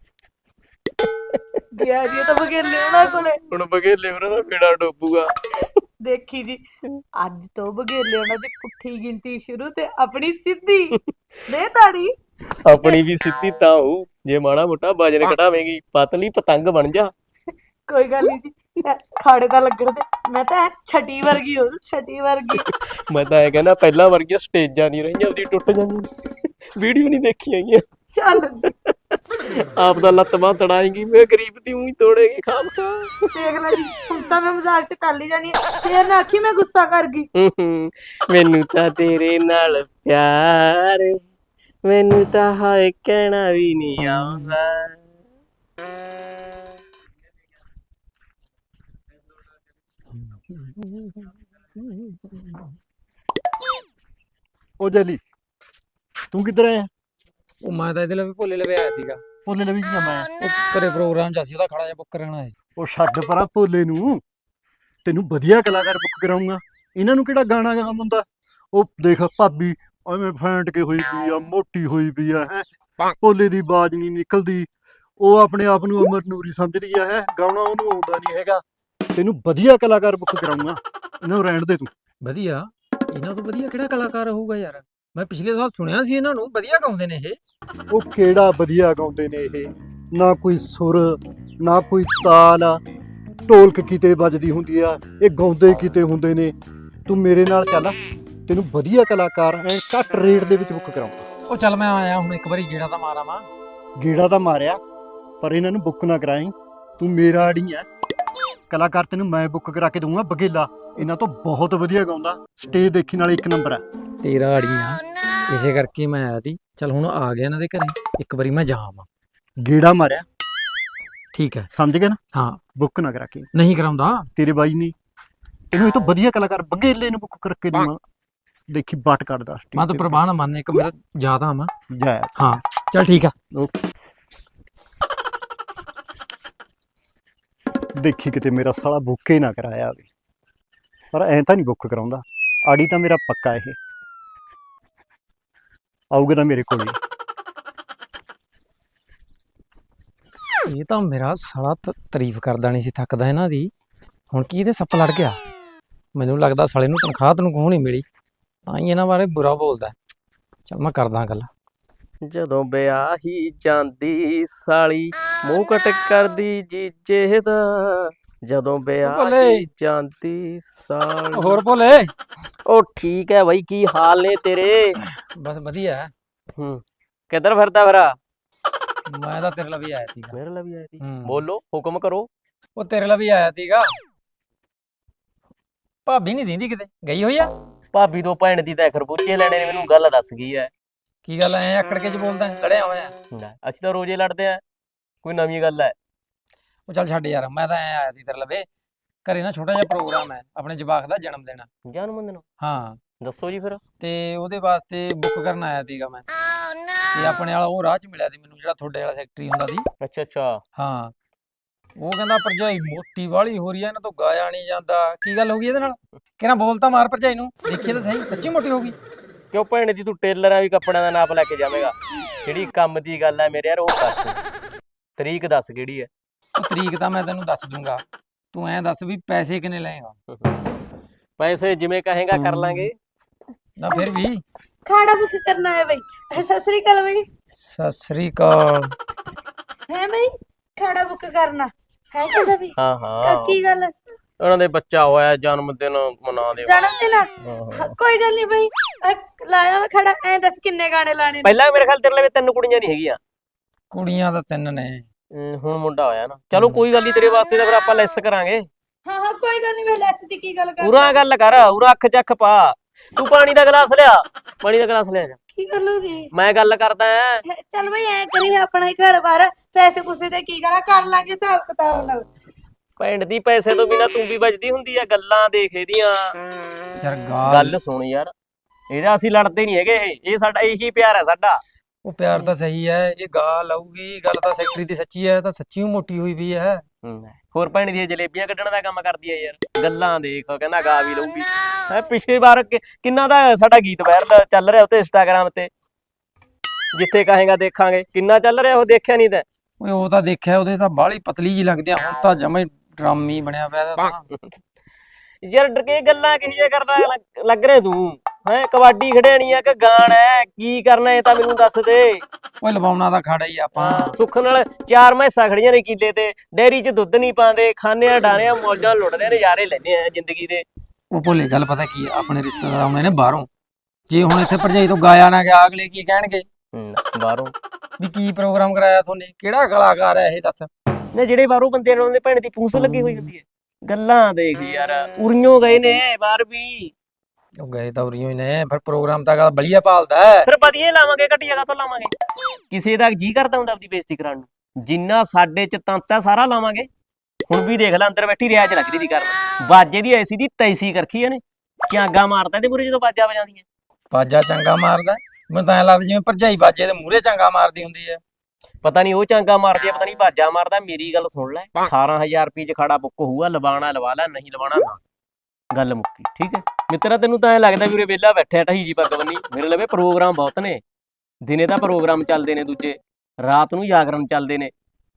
ਗਿਆ ਜੀ ਤਾਂ ਬਗੇਲੇ ਉਹਨਾਂ ਕੋਲੇ। ਹੁਣ ਬਗੇਲੇ ਉਹਨਾਂ ਦਾ ਪੀੜਾ ਡੋਬੂਗਾ। ਦੇਖੀ ਜੀ, ਅੱਜ ਤੋਂ ਬਗੇਲੇ ਉਹਨਾਂ ਦੀ ਪੁੱਠੀ ਗਿਣਤੀ ਸ਼ੁਰੂ ਤੇ ਆਪਣੀ ਸਿੱਧੀ। ਦੇ ਤਾੜੀ। ਆਪਣੀ ਵੀ ਸਿੱਧੀ ਤਾਂ ਹੋਊ ਜੇ ਮਾੜਾ ਮੋਟਾ ਵਜਨ ਘਟਾਵੇਂਗੀ, ਪਤਲੀ ਪਤੰਗ ਬਣ ਜਾ। ਕੋਈ ਗੱਲ ਨਹੀਂ ਜੀ, ਖਾੜੇ ਤਾਂ ਲੱਗਣ ਦੇ। ਮੈਂ ਤਾਂ ਛਟੀ ਵਰਗੀ ਹੋ, ਛਟੀ ਵਰਗੀ। ਮੈਂ ਤਾਂ ਇਹ ਕਹਿੰਦਾ ਪਹਿਲਾਂ ਵਰਗੀਆਂ ਸਟੇਜਾਂ ਨਹੀਂ ਰਹੀਆਂ, ਉਹਦੀ ਟੁੱਟ ਜਾਂਦੀ। ਵੀਡੀਓ ਨਹੀਂ ਦੇਖੀ ਹੈਗੀਆਂ। ਚੱਲ ਜੀ, ਆਪ ਦਾ ਲੱਤ ਬਾਂਹ ਤੜਾਏਗੀ, ਮੈਂ ਗਰੀਬ ਦੀ ਊਂ ਹੀ ਤੋੜੇਗੀ ਖਾਮ ਖਾ। ਦੇਖ ਲੈ ਜੀ, ਹੁਣ ਤਾਂ ਮੈਂ ਮਜ਼ਾਕ ਤੇ ਕਰ ਲਈ ਜਾਨੀ ਆ, ਫੇਰ ਨਾ ਆਖੀ ਮੈਂ ਗੁੱਸਾ ਕਰ ਗਈ। ਮੈਨੂੰ ਤਾਂ ਤੇਰੇ ਨਾਲ ਪਿਆਰ, ਮੈਨੂੰ ਤਾਂ ਹਾਏ ਕਹਿਣਾ ਵੀ ਨਹੀਂ ਆਉਂਦਾ। ਉਹ ਜਲੀ, ਤੂੰ ਕਿੱਧਰ ਆਇਆ? ਉਹ ਮੈਂ ਤਾਂ ਇਹਦੇ ਲਈ ਵੀ ਭੋਲੇ ਲਵੇ ਆਇਆ ਸੀਗਾ। ਭੋਲੇ ਲਵੀ ਜੀ ਮੈਂ। ਉਹ ਘਰੇ ਪ੍ਰੋਗਰਾਮ ਚ ਸੀ, ਉਹਦਾ ਖੜਾ ਜਿਹਾ ਬੁੱਕ ਕਰਾਉਣਾ ਸੀ। ਉਹ ਛੱਡ ਪਰਾਂ ਭੋਲੇ ਨੂੰ, ਤੈਨੂੰ ਵਧੀਆ ਕਲਾਕਾਰ ਬੁੱਕ ਕਰਾਉਂਗਾ। ਇਹਨਾਂ ਨੂੰ ਕਿਹੜਾ ਗਾਣਾ ਗਾਉਣਾ ਹੁੰਦਾ? ਉਹ ਦੇਖ ਭਾਬੀ ਐਵੇਂ ਫੈਂਟ ਕੇ ਹੋਈ ਪਈ ਆ, ਮੋਟੀ ਹੋਈ ਪਈ ਆ ਹੈ, ਭੋਲੇ ਦੀ ਆਵਾਜ਼ ਨਹੀਂ ਨਿਕਲਦੀ। ਉਹ ਆਪਣੇ ਆਪ ਨੂੰ ਅਮਰ ਨੂਰੀ ਸਮਝਦੀ ਆ, ਹੈ ਗਾਉਣਾ ਉਹਨੂੰ ਆਉਂਦਾ ਨਹੀਂ ਹੈਗਾ। ਤੈਨੂੰ ਵਧੀਆ ਕਲਾਕਾਰ ਬੁੱਕ ਕਰਾਉਂਗਾ, ਇਹਨਾਂ ਨੂੰ ਰਹਿਣ ਦੇ ਤੂੰ। ਵਧੀਆ? ਇਹਨਾਂ ਤੋਂ ਵਧੀਆ ਕਿਹੜਾ ਕਲਾਕਾਰ ਹੋਊਗਾ ਯਾਰ? ਮੈਂ ਪਿਛਲੇ ਸਾਲ ਸੁਣਿਆ ਸੀ ਇਹਨਾਂ ਨੂੰ, ਵਧੀਆ ਗਾਉਂਦੇ ਨੇ ਇਹ। ਉਹ ਕਿਹੜਾ ਵਧੀਆ ਗਾਉਂਦੇ ਨੇ ਇਹ, ਨਾ ਕੋਈ ਸੁਰ ਨਾ ਕੋਈ ਤਾਲ ਆ, ਢੋਲਕ ਕਿਤੇ ਵੱਜਦੀ ਹੁੰਦੀ ਆ, ਇਹ ਗਾਉਂਦੇ ਕਿਤੇ ਹੁੰਦੇ ਨੇ। ਤੂੰ ਮੇਰੇ ਨਾਲ ਚੱਲ, ਤੈਨੂੰ ਵਧੀਆ ਕਲਾਕਾਰ ਐ ਘੱਟ ਰੇਟ ਦੇ ਵਿੱਚ ਬੁੱਕ ਕਰਾਉਂਗਾ। ਉਹ ਚੱਲ ਮੈਂ ਆਇਆ ਹੁਣ, ਇੱਕ ਵਾਰੀ ਗੇੜਾ ਤਾਂ ਮਾਰਾਂ ਮਾਂ। ਗੇੜਾ ਤਾਂ ਮਾਰਿਆ, ਪਰ ਇਹਨਾਂ ਨੂੰ ਬੁੱਕ ਨਾ ਕਰਾਈ। ਤੂੰ ਮੇਰਾ ਆੜੀ ਐ, ਕਲਾਕਾਰ ਤੈਨੂੰ ਮੈਂ ਬੁੱਕ ਕਰਾ ਕੇ ਦਊਂਗਾ ਬਗੇਲਾ। ਇਹਨਾਂ ਤੋਂ ਬਹੁਤ ਵਧੀਆ ਗਾਉਂਦਾ, ਸਟੇਜ ਦੇਖੀ ਨਾਲ ਇੱਕ ਨੰਬਰ ਆ। ਤੇਰਾ ਆੜੀਆਂ, ਇਸੇ ਕਰਕੇ ਮੈਂ ਆਇਆ ਸੀ। ਚੱਲ ਹੁਣ ਆ ਗਿਆ ਇਹਨਾਂ ਦੇ ਘਰੇ, ਇੱਕ ਵਾਰੀ ਮੈਂ ਜਾਵਾਂ। ਗੇੜਾ ਮਾਰਿਆ, ਠੀਕ ਹੈ, ਸਮਝ ਗਿਆ ਨਾ? ਹਾਂ। ਬੁੱਕ ਨਾ ਕਰਾ ਕੇ, ਨਹੀਂ ਕਰਾਉਂਦਾ ਤੇਰੇ ਬਾਈ ਨੇ ਇਹਨੂੰ ਇਹ ਤੋਂ ਵਧੀਆ ਕਲਾਕਾਰ ਬਗੇਲੇ ਨੂੰ ਬੁੱਕ ਕਰਕੇ ਦਊਂਗਾ। ਦੇਖੀ ਬਾਟ ਕੱਢਦਾ ਮੈਂ ਤਾਂ ਪ੍ਰਵਾਹ ਨਾ ਮੰਨ, ਇੱਕ ਮੇਰਾ ਜ਼ਿਆਦਾ ਮੈਂ। ਜਾਇਆ। ਹਾਂ ਚੱਲ ਠੀਕ ਆ। ਦੇਖੀ ਕਿਤੇ ਮੇਰਾ ਸਾਲਾ ਬੁੱਕ ਹੀ ਨਾ ਕਰਾਇਆ ਹੋਵੇ, ਪਰ ਐਂ ਤਾਂ ਨਹੀਂ ਬੁੱਕ ਕਰਾਉਂਦਾ। ਆੜੀ ਤਾਂ ਮੇਰਾ ਪੱਕਾ ਇਹ ਆਊਗਾ ਤਾਂ ਮੇਰੇ ਕੋਲ ਹੀ। ਇਹ ਤਾਂ ਮੇਰਾ ਸਾਲਾ ਤਾਰੀਫ ਕਰਦਾ ਨਹੀਂ ਸੀ ਥੱਕਦਾ ਇਹਨਾਂ ਦੀ। ਹੁਣ ਕੀ ਇਹਦੇ ਸੱਪ ਲੜ ਗਿਆ? ਮੈਨੂੰ ਲੱਗਦਾ ਸਾਲੇ ਨੂੰ ਤਨਖਾਹ ਤਨਖੂਹ ਨਹੀਂ ਮਿਲੀ, ਤਾਂ ਹੀ ਇਹਨਾਂ ਬਾਰੇ ਬੁਰਾ ਬੋਲਦਾ। ਚੱਲ ਮੈਂ ਕਰਦਾ ਗੱਲ। ਜਦੋਂ ਵਿਆਹੀ ਜਾਂਦੀ ਸਾਲੀ ਮੂੰਹ ਕਟ ਕਰਦੀ ਜੀਜੇ ਦਾ, ਜਦੋਂ ਵਿਆਹੀ ਜਾਂਦੀ ਸਾਲੀ। ਹੋਰ ਭੋਲੇ? ਉਹ ਠੀਕ ਹੈ ਬਾਈ, ਕੀ ਹਾਲ ਨੇ ਤੇਰੇ? ਬਸ ਵਧੀਆ। ਕਿੱਧਰ ਫਿਰਦਾ ਫਿਰਾ? ਮੈਂ ਤਾਂ ਤੇਰੇ ਲਈ ਵੀ ਆਇਆ ਸੀਗਾ। ਮੇਰੇ ਲਈ ਵੀ ਆਇਆ ਸੀ? ਬੋਲੋ, ਹੁਕਮ ਕਰੋ। ਉਹ ਤੇਰੇ ਲਈ ਵੀ ਆਇਆ ਸੀਗਾ। ਭਾਬੀ ਨਹੀਂ ਦਿੰਦੀ ਕਿਤੇ, ਗਈ ਹੋਈ ਆ? ਭਾਬੀ ਤੋਂ ਭੈਣ ਦੀ ਤਾਂ ਖਰਬੂਜੇ ਲੈਣੇ ਨੇ, ਮੈਨੂੰ ਗੱਲ ਦੱਸ ਗਈ ਐ। ਕੀ ਗੱਲ ਐ ਆਕੜ ਕੇ ਚ ਬੋਲਦਾ, ਲੜਿਆ ਹੋਇਆ? ਅਸੀਂ ਤਾਂ ਰੋਜ਼ੇ ਲੜਦੇ ਆ, ਕੋਈ ਨਵੀਂ ਗੱਲ ਐ? ਉਹ ਚੱਲ ਛੱਡ ਯਾਰ, ਮੈਂ ਤਾਂ ਐ ਆਇਆ ਸੀ ਤੇਰੇ ਲਵੇ। ਘਰੇ ਨਾ ਛੋਟਾ ਜਿਹਾ ਪ੍ਰੋਗਰਾਮ ਹੈ, ਆਪਣੇ ਜਵਾਕ ਦਾ ਜਨਮ ਦਿਨ। ਜਨਮ ਦਿਨ? ਹਾਂ। ਦੱਸੋ ਜੀ ਫਿਰ। ਤੇ ਉਹਦੇ ਵਾਸਤੇ ਬੁੱਕ ਕਰਨ ਆਇਆ ਸੀਗਾ ਮੈਂ। ਤੇ ਆਪਣੇ ਵਾਲਾ ਉਹ ਰਾਹ ਚ ਮਿਲਿਆ ਸੀ ਮੈਨੂੰ, ਜਿਹੜਾ ਤੁਹਾਡੇ ਵਾਲਾ ਸੈਕਟਰੀ ਹੁੰਦਾ ਸੀ। ਅੱਛਾ ਅੱਛਾ। ਹਾਂ। ਉਹ ਕਹਿੰਦਾ ਭਰਜਾਈ ਮੋਟੀ ਵਾਲੀ ਹੋ ਰਹੀ ਐ, ਇਹਨਾਂ ਤੋਂ ਗਾਇਆ ਨਹੀਂ ਜਾਂਦਾ। ਕੀ ਗੱਲ ਹੋ ਗਈ ਇਹਦੇ ਨਾਲ? ਕਿਹਨਾਂ ਬੋਲ ਤਾਂ ਮਾਰ ਭਰਜਾਈ ਨੂੰ, ਦੇਖੀਏ ਤਾਂ ਸਹੀ, ਸੱਚੀ ਮੋਟੀ ਹੋ ਗਈ? ਕਿਉਂ ਭੈਣ ਦੀ, ਤੂੰ ਟੇਲਰਾਂ ਵੀ ਕੱਪੜਿਆਂ ਦਾ ਨਾਪ ਲੈ ਕੇ ਜਾਵੇਂਗਾ? ਜਿਹੜੀ ਕੰਮ ਦੀ ਗੱਲ ਐ ਮੇਰੇ ਯਾਰ, ਉਹ ਦੱਸ। ਤਰੀਕ ਦੱਸ ਕਿਹੜੀ ਐ? ਤਰੀਕ ਤਾਂ ਮੈਂ ਤੈਨੂੰ ਦੱਸ ਦੂੰਗਾ, ਤੂੰ ਐਂ ਦੱਸ ਵੀ ਪੈਸੇ ਕਿੰਨੇ ਲਏਗਾ? ਪੈਸੇ ਜਿਵੇਂ ਕਹੇਗਾ ਕਰ ਲਾਂਗੇ। ਨਾ ਫਿਰ ਵੀ ਖਾੜਾ ਬੁੱਕ ਕਰਨਾ ਹੈ ਬਈ। ਸਤਿ ਸ੍ਰੀ ਅਕਾਲ ਬਈ। ਸਤਿ ਸ੍ਰੀ ਅਕਾਲ। ਹੈ ਬਈ ਖਾੜਾ ਬੁੱਕ ਕਰਨਾ ਹੈ ਕਿਹਦਾ ਵੀ? ਹਾਂ ਹਾਂ ਕੀ ਗੱਲ? ਉਹਨਾਂ ਦੇ ਬੱਚਾ ਹੋਇਆ, ਜਨਮ ਦਿਨ ਮਨਾ ਦੇ। ਜਨਮ ਦਿਨ ਆ? ਕੋਈ ਗੱਲ ਨਹੀਂ ਬਈ, ਲਾਇਆ ਮੈਂ ਖੜਾ। ਐ ਦੱਸ ਕਿੰਨੇ ਗਾਣੇ ਲਾਣੇ ਨੇ? ਪਹਿਲਾਂ ਮੇਰੇ ਖਿਆਲ ਤੇਰੇ ਲਈ 3 ਕੁੜੀਆਂ ਨਹੀਂ ਹੈਗੀਆਂ। ਕੁੜੀਆਂ ਤਾਂ 3 ਨੇ। ਹੁਣ ਮੁੰਡਾ ਹੋਇਆ ਨਾ, ਚਲੋ ਕੋਈ ਗੱਲ ਨਹੀਂ, ਤੇਰੇ ਵਾਸਤੇ ਤਾਂ ਫਿਰ ਆਪਾਂ ਲੈਸ ਕਰਾਂਗੇ। ਹਾਂ ਹਾਂ ਕੋਈ ਗੱਲ ਨਹੀਂ, ਵੇ ਲੈਸ ਦੀ ਕੀ ਗੱਲ ਕਰ? ਪੂਰਾ ਗੱਲ ਕਰ, ਪੂਰਾ ਅੱਖ ਚੱਖ ਪਾ। ਤੂੰ ਪਾਣੀ ਦਾ ਗਲਾਸ ਲਿਆ, ਪਾਣੀ ਦਾ ਗਲਾਸ ਲਿਆ ਜਾ। ਕੀ ਕਰ ਲੋਗੇ? ਮੈਂ ਗੱਲ ਕਰਦਾ ਐ। ਚੱਲ ਬਈ ਐ ਕਰੀ ਆਪਣਾ ਹੀ ਘਰ ਬਾਰ, ਪੈਸੇ ਪੂਸੇ ਤੇ ਕੀ ਕਰਾਂ, ਕਰ ਲਾਂਗੇ ਹਿਸਾਬ ਕਿਤਾਬ ਨਾਲ। ਪਿੰਡ ਦੀ ਪੈਸੇ ਤੋਂ ਬਿਨਾ ਤੂੰ ਵੀ ਬਚਦੀ ਹੁੰਦੀ ਆ, ਗੱਲਾਂ ਦੇਖ ਇਹਦੀਆਂ। ਯਾਰ ਗੱਲ ਸੁਣ ਯਾਰ, ਇਹਦਾ ਅਸੀਂ ਲੜਦੇ ਨਹੀਂ ਹੈਗੇ, ਇਹ ਸਾਡਾ ਇਹੀ ਪਿਆਰ ਹੈ ਸਾਡਾ। ਉਹ ਪਿਆਰ ਤਾਂ ਸਹੀ ਹੈ, ਇਹ ਗਾ ਲਊਗੀ, ਗੱਲ ਤਾਂ ਸੈਕਟਰੀ ਦੀ ਸੱਚੀ ਹੈ, ਤਾਂ ਸੱਚੀ ਮੋਟੀ ਹੋਈ ਵੀ ਹੈ। ਹੋਰ ਭੈਣ ਦੀਆਂ ਜਲੇਬੀਆਂ ਕੱਢਣ ਦਾ ਕੰਮ ਕਰਦੀ ਹੈ ਯਾਰ। ਗੱਲਾਂ ਦੇਖ, ਕਹਿੰਦਾ ਗਾ ਵੀ ਲਊਗੀ। ਪਿਛਲੀ ਵਾਰ ਕਿੰਨਾ ਦਾ ਸਾਡਾ ਗੀਤ ਵਾਇਰਲ ਚੱਲ ਰਿਹਾ ਉੱਤੇ ਇੰਸਟਾਗ੍ਰਾਮ ਤੇ, ਜਿੱਥੇ ਕਹੇਗਾ ਦੇਖਾਂਗੇ, ਕਿੰਨਾ ਚੱਲ ਰਿਹਾ ਉਹ, ਦੇਖਿਆ ਨਹੀਂ ਤੈਂ? ਓਏ ਉਹ ਤਾਂ ਦੇਖਿਆ, ਉਹਦੇ ਤਾਂ ਬਾਹਲੀ ਪਤਲੀ ਜੀ ਲੱਗਦੀ ਆ, ਹੁਣ ਤਾਂ ਜਮਾ ਹੀ ਡਰਾਮੀ ਬਣਿਆ ਪਿਆ ਇਹਦਾ ਤਾਂ। ਯਾਰ ਡਰਕੇ ਗੱਲਾਂ ਕਿਹੋ ਕਰਦਾ ਲੱਗ ਰਿਹਾ ਤੂੰ? ਹੈ ਕਬੱਡੀ ਖੜਿਆਣੀ ਆ ਕਿ ਗਾਣ ਹੈ, ਕੀ ਕਰਨਾ ਇਹ ਤਾਂ ਮੈਨੂੰ ਦੱਸ ਦੇ। ਓਏ ਲਵਾਉਣਾ ਤਾਂ ਖਾੜਾ ਹੀ ਆਪਾਂ। ਸੁੱਖ ਨਾਲ 4 ਮੈਸਾਂ ਖੜੀਆਂ ਨੇ ਕਿੱਲੇ ਤੇ, ਡੇਅਰੀ 'ਚ ਦੁੱਧ ਨਹੀਂ ਪਾਉਂਦੇ, ਖਾਣੇ ਆ ਡਾਣੇ ਆ, ਮੌਜਾਂ ਲੁੱਟਦੇ ਆ, ਨਜ਼ਾਰੇ ਲੈਂਦੇ ਆ ਜ਼ਿੰਦਗੀ ਦੇ। ਉਹ ਭੋਲੇ ਗੱਲ ਪਤਾ ਕੀ ਆ, ਆਪਣੇ ਰਿਸ਼ਤੇਦਾਰ ਆਉਣੇ ਨੇ ਬਾਹਰੋਂ, ਜੇ ਹੁਣ ਇੱਥੇ ਭਰਜਾਈ ਤੋਂ ਗਾਇਆ ਨਾ ਗਿਆ, ਅਗਲੇ ਕੀ ਕਹਿਣਗੇ? ਬਾਹਰੋਂ ਵੀ ਕੀ ਪ੍ਰੋਗਰਾਮ ਕਰਾਇਆ ਤੁਹਾਨੇ, ਕਿਹੜਾ ਕਲਾਕਾਰ ਹੈ ਇਹ ਦੱਸ? ਨੇ ਜਿਹੜੇ ਬਾਹਰੋਂ ਬੰਦੇ ਨੇ, ਉਹਨਾਂ ਦੇ ਭੈਣ ਦੀ ਪੂੰਛ ਲੱਗੀ ਹੋਈ ਹੁੰਦੀ ਹੈ। ਗੱਲਾਂ ਦੇਖ ਯਾਰ, ਉਰੀਓ ਗਏ ਨੇ ਬਾਹਰ ਵੀ। ਉਹ ਗਏ ਤਾਂ ਉਰੀਓ ਹੀ ਨੇ, ਫਿਰ ਪ੍ਰੋਗਰਾਮ ਤਾਂ ਬਲੀਆ ਭਾਲਦਾ ਹੈ। ਫਿਰ ਵਧੀਆ ਲਾਵਾਂਗੇ, ਘਟੀਆ ਕਾਹਤੋਂ ਲਾਵਾਂਗੇ? ਕਿਸੇ ਦਾ ਜੀ ਕਰਦਾ ਹੁੰਦਾ ਆਪਦੀ ਬੇਇੱਜ਼ਤੀ ਕਰਾਉਣ ਨੂੰ? ਜਿੰਨਾ ਸਾਡੇ ਚ ਤੰਤ ਹੈ ਸਾਰਾ ਲਾਵਾਂਗੇ। ਹੁਣ ਵੀ ਦੇਖ ਲੈ, ਅੰਦਰ ਬੈਠੀ ਰਿਆਜ਼ ਲੱਗਦੀ ਦੀ ਕਰਨ, ਬਾਜੇ ਦੀ ਐਸੀ ਦੀ ਤੈਸੀ ਕਰਖੀ ਇਹਨੇ, ਕਿਆਗਾ ਮਾਰਦਾ ਇਹਦੇ ਮੂਹਰੇ ਜਦੋਂ ਬਾਜਾ ਵਜਾਉਂਦੀ ਹੈ। ਬਾਜਾ ਚੰਗਾ ਮਾਰਦਾ, ਮੈਨੂੰ ਤਾਂ ਐਂ ਲੱਗਦਾ ਜਿਵੇਂ ਭਰਜਾਈ ਬਾਜੇ ਦੇ ਮੂਹਰੇ ਚੰਗਾ ਮਾਰਦੀ ਹੁੰਦੀ ਹੈ। ਪਤਾ ਨਹੀਂ ਉਹ ਚਾਂਗਾ ਮਾਰਦੀ ਆ, ਪਤਾ ਨਹੀਂ ਬਾਜਾ ਮਾਰਦਾ। ਮੇਰੀ ਗੱਲ ਸੁਣ ਲੈ, 18000 ਰੁਪਏ ਚ ਖੜਾ ਬੁੱਕ ਹੋਊਗਾ, ਲਵਾਣਾ ਲਵਾ ਲੈ, ਨਹੀਂ ਲਵਾਣਾ ਨਾ। ਗੱਲ ਮੁੱਕੀ, ਠੀਕ ਹੈ ਮਿੱਤਰਾ? ਤੈਨੂੰ ਤਾਂ ਐ ਲੱਗਦਾ ਵੀ ਉਰੇ ਵਿਹਲਾ ਬੈਠਿਆ ਢਹੀ ਜੀ ਪੱਗ ਬੰਨੀ? ਮੇਰੇ ਲਵੇ ਪ੍ਰੋਗਰਾਮ ਬਹੁਤ ਨੇ, ਦਿਨੇ ਤਾਂ ਪ੍ਰੋਗਰਾਮ ਚੱਲਦੇ ਨੇ, ਦੂਜੇ ਰਾਤ ਨੂੰ ਜਾਗਰਣ ਚੱਲਦੇ ਨੇ।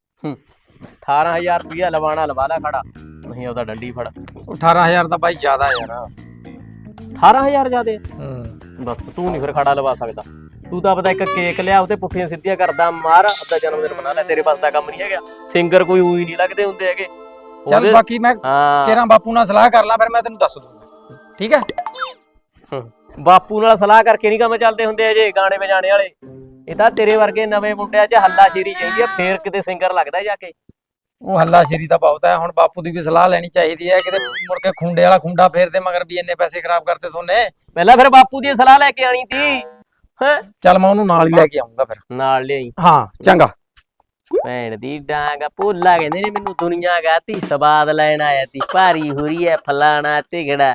18000 ਰੁਪਇਆ ਲਵਾਣਾ ਲਵਾ ਲੈ ਖੜਾ, ਨਹੀਂ ਉਹਦਾ ਡੰਡੀ ਫੜ। 18000 ਤਾਂ ਬਾਈ ਜ਼ਿਆਦਾ ਯਾਰ। 18000 ਜ਼ਿਆਦੇ? ਬਸ ਤੂੰ ਨਹੀਂ ਫਿਰ ਖੜਾ ਲਵਾ ਸਕਦਾ। ਤੂੰ ਤਾਂ ਪਤਾ ਇੱਕ ਕੇਕ ਲਿਆ, ਉਹਤੇ ਪੁੱਠੀਆਂ ਸਿੱਧੀਆਂ ਕਰਦਾ ਮਾਰ, ਆਪਦਾ ਜਨਮ ਦਿਨ ਮਨਾ ਲੈ। ਤੇਰੇ ਪਾਸ ਦਾ ਕੰਮ ਨਹੀਂ ਹੈਗਾ, ਸਿੰਗਰ ਕੋਈ ਉਹੀ ਨਹੀਂ ਲੱਗਦੇ ਹੁੰਦੇ ਹੈਗੇ। ਚੱਲ ਬਾਕੀ ਮੈਂ ਕਿਹੜਾ ਬਾਪੂ ਨਾਲ ਸਲਾਹ ਕਰ ਲਾਂ, ਫਿਰ ਮੈਂ ਤੈਨੂੰ ਦੱਸ ਦੂੰਗਾ, ਠੀਕ ਹੈ? ਬਾਪੂ ਨਾਲ ਸਲਾਹ ਕਰਕੇ ਨਹੀਂ ਕੰਮ ਚੱਲਦੇ ਹੁੰਦੇ ਅਜੇ ਗਾਣੇ ਵਜਾਣੇ ਵਾਲੇ। ਇਹ ਤਾਂ ਤੇਰੇ ਵਰਗੇ ਨਵੇਂ ਮੁੰਡਿਆਂ 'ਚ ਹੱਲਾ ਸ਼ੇਰੀ ਚਾਹੀਦੀ ਆ, ਫੇਰ ਕਿਤੇ ਸਿੰਗਰ ਲੱਗਦਾ ਜਾ ਕੇ। ਉਹ ਹੱਲਾ ਸ਼ੇਰੀ ਤਾਂ ਬਹੁਤ ਹੈ, ਹੁਣ ਬਾਪੂ ਦੀ ਵੀ ਸਲਾਹ ਲੈਣੀ ਚਾਹੀਦੀ ਹੈ, ਕਿਤੇ ਮੁੜ ਕੇ ਖੁੰਡੇ ਵਾਲਾ ਖੁੰਡਾ ਫੇਰਦੇ ਮਗਰ ਵੀ ਇੰਨੇ ਪੈਸੇ ਖਰਾਬ ਕਰਤੇ ਸੋਨੇ। ਪਹਿਲਾਂ ਫਿਰ ਬਾਪੂ ਦੀ ਸਲਾਹ ਲੈ ਕੇ ਆਣੀ ਤੀ। ਹੈ ਚੱਲ ਮੈਂ ਉਹਨੂੰ ਨਾਲ ਹੀ ਲੈ ਕੇ ਆਉਂਗਾ ਫਿਰ। ਨਾਲ ਲਿਆਈ। ਹਾਂ ਚੰਗਾ। ਭੈਣ ਦੀ ਡਾਂਗ ਭੋਲਾ ਕਹਿੰਦੇ ਨੇ ਮੈਨੂੰ, ਦੁਨੀਆ ਗਾਤੀ ਸਵਾਦ ਲੈਣ ਆਇਆ ਤੀ, ਭਾਰੀ ਹੁਰੀ ਐ ਫਲਾਣਾ ਤਿਗੜਾ,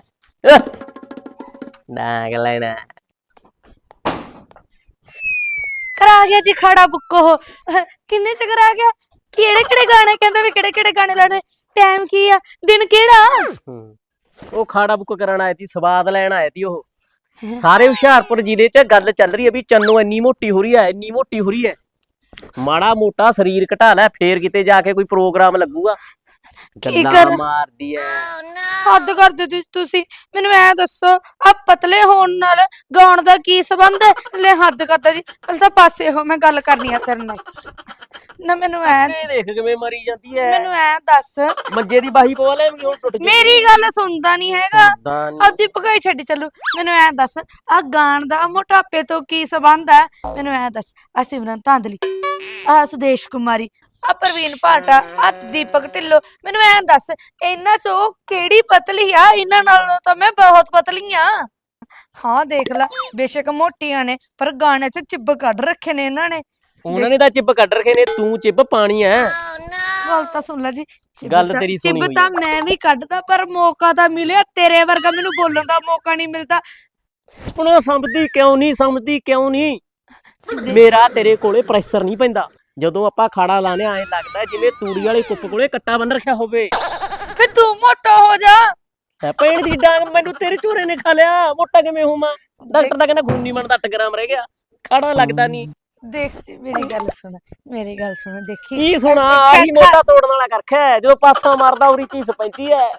ਡਾਂਗ ਲੈਣਾ। ਕਰਾ ਗਿਆ ਜੀ ਖਾੜਾ ਬੁੱਕ। ਉਹ ਕਿੰਨੇ ਚ ਕਰਾ ਗਿਆ? ਕਿਹੜੇ ਕਿਹੜੇ ਗਾਣੇ ਕਹਿੰਦਾ ਵੀ ਕਿਹੜੇ ਕਿਹੜੇ ਗਾਣੇ ਲਾਣੇ? ਟਾਈਮ ਕੀ ਆ? ਦਿਨ ਕਿਹੜਾ? ਉਹ ਖਾੜਾ ਬੁੱਕ ਕਰਨ ਆਇਆ ਤੀ, ਸਵਾਦ ਲੈਣ ਆਇਆ ਤੀ। ਉਹ ਸਾਰੇ ਹੁਸ਼ਿਆਰਪੁਰ ਜ਼ਿਲ੍ਹੇ 'ਚ ਗੱਲ ਚੱਲ ਰਹੀ ਹੈ ਵੀ ਚੰਨੋ ਇੰਨੀ ਮੋਟੀ ਹੋ ਰਹੀ ਹੈ, ਇੰਨੀ ਮੋਟੀ ਹੋ ਰਹੀ ਹੈ। ਮਾੜਾ ਮੋਟਾ ਸਰੀਰ ਘਟਾ ਲੈ, ਫੇਰ ਕਿਤੇ ਜਾ ਕੇ ਕੋਈ ਪ੍ਰੋਗਰਾਮ ਲੱਗੂਗਾ। ਗੱਲਾਂ ਮਾਰਦੀ ਐ। ਹੱਦ ਕਰਦੇ ਤੁਸੀਂ। ਮੈਨੂੰ ਐ ਦੱਸੋ, ਆ ਪਤਲੇ ਹੋਣ ਨਾਲ ਗਾਉਣ ਦਾ ਕੀ ਸੰਬੰਧ ਹੈ? ਲੈ ਹੱਦ ਕਰਦਾ ਜੀ, ਪਹਿਲਾਂ ਤਾਂ ਪਾਸੇ ਹੋ, ਮੈਂ ਗੱਲ ਕਰਨੀ ਆ ਤੇਰੇ ਨਾਲ ਨਾ। ਮੈਨੂੰ ਐ ਦੇਖ ਕਿਵੇਂ ਮਰੀ ਜਾਂਦੀ ਐ। ਮੈਨੂੰ ਐ ਦੱਸ, ਮੰਜੇ ਦੀ ਬਾਹੀ ਪਵਾ ਲੈ, ਹੁਣ ਟੁੱਟ ਜੀ। ਮੇਰੀ ਗੱਲ ਸੁਣਦਾ ਨਹੀਂ ਹੈਗਾ, ਆਪਦੀ ਭਗਾਈ ਛੱਡੀ ਚੱਲੂ। ਮੈਨੂੰ ਐ ਦੱਸ, ਆ ਗਾਣ ਦਾ ਮੋਟਾਪੇ ਤੋਂ ਕੀ ਸੰਬੰਧ ਹੈ? ਮੈਨੂੰ ਐ ਦੱਸ, ਆ ਸਿਮਰਨ ਧਾਂਦਲੀ, ਆ ਸੁਦੇਸ਼ ਕੁਮਾਰੀ, ਆ ਪ੍ਰਵੀਨ ਭਾਟਾ, ਆ ਦੀਪਕ ਢਿੱਲੋਂ, ਮੈਨੂੰ ਐ ਦੱਸ ਇਹਨਾਂ ਚੋਂ ਕਿਹੜੀ ਪਤਲੀ ਆ? ਇਹਨਾਂ ਨਾਲੋਂ ਤਾਂ ਮੈਂ ਬਹੁਤ ਪਤਲੀ ਆ। ਹਾਂ ਦੇਖ ਲਾ, ਬੇਸ਼ੱਕ ਮੋਟੀਆਂ ਨੇ ਪਰ ਗਾਣੇ 'ਚ ਚਿੱਬ ਕੱਢ ਰੱਖੇ ਨੇ ਇਹਨਾਂ ਨੇ। ਉਹਨਾਂ ਨੇ ਤਾਂ ਚਿੱਬ ਕੱਢ ਰੱਖੇ ਨੇ, ਤੂੰ ਚਿੱਬ ਪਾਣੀ ਐ। ਗੱਲ ਤਾਂ ਸੁਣ ਲੈ ਜੀ, ਗੱਲ ਤੇਰੀ ਸੁਣੀ ਚਿੱਬ ਤਾਂ ਮੈਂ ਵੀ ਕੱਢਦਾ, ਪਰ ਮੌਕਾ ਤਾਂ ਮਿਲਿਆ। ਤੇਰੇ ਵਰਗਾ ਮੈਨੂੰ ਬੋਲਣ ਦਾ ਮੌਕਾ ਨਹੀਂ ਮਿਲਦਾ। ਹੁਣ ਉਹ ਸਮਝਦੀ ਕਿਉਂ ਨਹੀਂ, ਸਮਝਦੀ ਕਿਉਂ ਨਹੀਂ? ਮੇਰਾ ਤੇਰੇ ਕੋਲੇ ਪ੍ਰੈਸ਼ਰ ਨਹੀਂ ਪੈਂਦਾ। ਜਦੋਂ ਆਪਾਂ ਖਾੜਾ ਲਾਣੇ ਐਂ ਲੱਗਦਾ ਜਿਵੇਂ ਤੂੜੀ ਵਾਲੇ ਕੁੱਪ ਕੋਲੇ ਕੱਟਾ ਬੰਨ ਰੱਖਿਆ ਹੋਵੇ। ਫੇ ਤੂੰ ਮੋਟਾ ਹੋ ਜਾ। ਭੈਣ ਦੀ ਡਾਂਗ, ਮੈਨੂੰ ਤੇਰੇ ਝੂਰੇ ਨੇ ਖਾ ਲਿਆ। ਮੋਟਾ ਕਿਵੇਂ ਹੋਵਾਂ? ਡਾਕਟਰ ਦਾ ਕਹਿੰਦਾ ਖੂਨ ਨਹੀਂ ਬਣਦਾ, 8 ਗ੍ਰਾਮ ਰਹਿ ਗਿਆ, ਖਾੜਾ ਲੱਗਦਾ ਨਹੀਂ। ਦੇਖ ਜੀ, ਮੇਰੀ ਗੱਲ ਸੁਣ, ਮੇਰੀ ਗੱਲ ਸੁਣ, ਦੇਖੀ ਕੀ ਸੁਣਾ? ਆਹੀ ਮੋਟਾ ਤੋੜਨ ਵਾਲਾ ਕਰਖਿਆ, ਜਦੋਂ ਪਾਸਾ ਮਾਰਦਾ ਉਰੀ ਚੀਸ ਪੈਂਦੀ ਐ।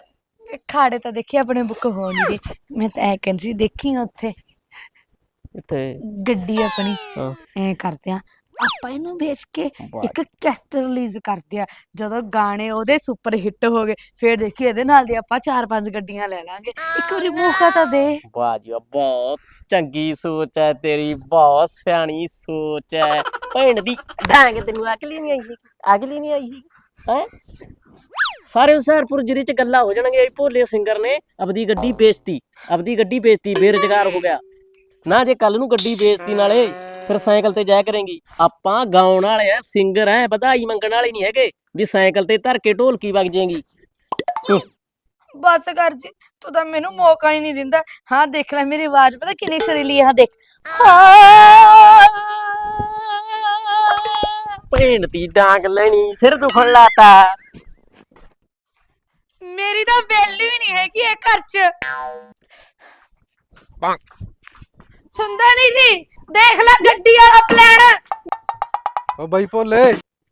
ਖਾੜੇ ਤਾਂ ਦੇਖੀ ਆਪਣੇ ਬੁੱਕ ਹੋ ਨਹੀਂ ਰਹੇ। ਮੈਂ ਤਾਂ ਐ ਕਹਿੰਦੀ ਸੀ ਦੇਖੀ ਉੱਥੇ ਇੱਥੇ ਗੱਡੀ ਆਪਣੀ ਹਾਂ। ਐ ਕਰਦੇ ਆ ਆਪਾਂ ਇਹਨੂੰ ਵੇਚ ਕੇ ਵਾਹ। ਇੱਕ ਕੈਸਟ ਰਿਲੀਜ਼ ਕਰਦੇ ਆ। ਜਦੋਂ ਗਾਣੇ ਉਹਦੇ ਸੁਪਰ ਹਿੱਟ ਹੋ ਗਏ ਫੇਰ ਦੇਖੀ ਇਹਦੇ ਨਾਲ ਦੀ ਆਪਾਂ 4-5 ਗੱਡੀਆਂ ਲੈ ਲਾਂਗੇ। ਇੱਕ ਵਾਰੀ ਮੌਕਾ ਤਾਂ ਦੇ। ਵਾਹ ਜੀ ਵਾਹ, ਬਹੁਤ ਚੰਗੀ ਸੋਚ ਹੈ ਤੇਰੀ, ਬਹੁਤ ਸਿਆਣੀ ਸੋਚ ਹੈ। ਭੈਣ ਦੀ ਡਾਂਗ, ਤੈਨੂੰ ਅਕਲ ਹੀ ਨਹੀਂ ਆਈ, ਅਕਲ ਹੀ ਨਹੀਂ ਆਈ ਹੈ। ਸਾਰੇ ਹੁਸ਼ਿਆਰਪੁਰ ਜ਼ਿਲ੍ਹੇ ਚ ਗੱਲਾਂ ਹੋ ਜਾਣਗੀਆਂ, ਭੋਲੇ ਸਿੰਗਰ ਨੇ ਆਪਦੀ ਗੱਡੀ ਵੇਚਤੀ, ਆਪਦੀ ਗੱਡੀ ਵੇਚਤੀ, ਬੇਰੁਜ਼ਗਾਰ ਹੋ ਗਿਆ ਨਾ। ਜੇ ਕੱਲ ਨੂੰ ਗੱਡੀ ਵੇਚਤੀ ਨਾਲੇ ਫਿਰ ਸਾਈਕਲ ਤੇ ਜਾਇਆ ਕਰੇਂਗੀ। ਆਪਾਂ ਗਾਉਣ ਵਾਲੇ ਆ, ਸਿੰਗਰ ਐ, ਵਧਾਈ ਮੰਗਣ ਵਾਲੇ ਨਹੀਂ ਹੈਗੇ ਵੀ ਸਾਈਕਲ ਤੇ ਧਰ ਕੇ ਢੋਲਕੀ ਵਗ ਜਾਏਗੀ। ਬਸ ਕਰ ਜੀ, ਤੂੰ ਤਾਂ ਮੈਨੂੰ ਮੌਕਾ ਹੀ ਨਹੀਂ ਦਿੰਦਾ। ਹਾਂ ਦੇਖ ਲੈ ਮੇਰੀ ਆਵਾਜ਼ ਪਤਾ ਕਿੰਨੀ ਸੁਰੀਲੀ ਆ, ਦੇਖ। ਭੈਣ ਦੀ ਡਾਂਗ ਲੈਣੀ, ਸਿਰ ਦੁਖਣ ਲਾਤਾ। ਮੇਰੀ ਤਾਂ ਵੈਲਿਊ ਹੀ ਨਹੀਂ ਹੈਗੀ ਇਹ ਘਰ 'ਚ। ਸੁਣਦਾ ਨਹੀਂ ਸੀ, ਦੇਖ ਲੈ ਗੱਡੀ ਵਾਲਾ ਪਲਾਨ। ਓ ਬਾਈ ਭੋਲੇ,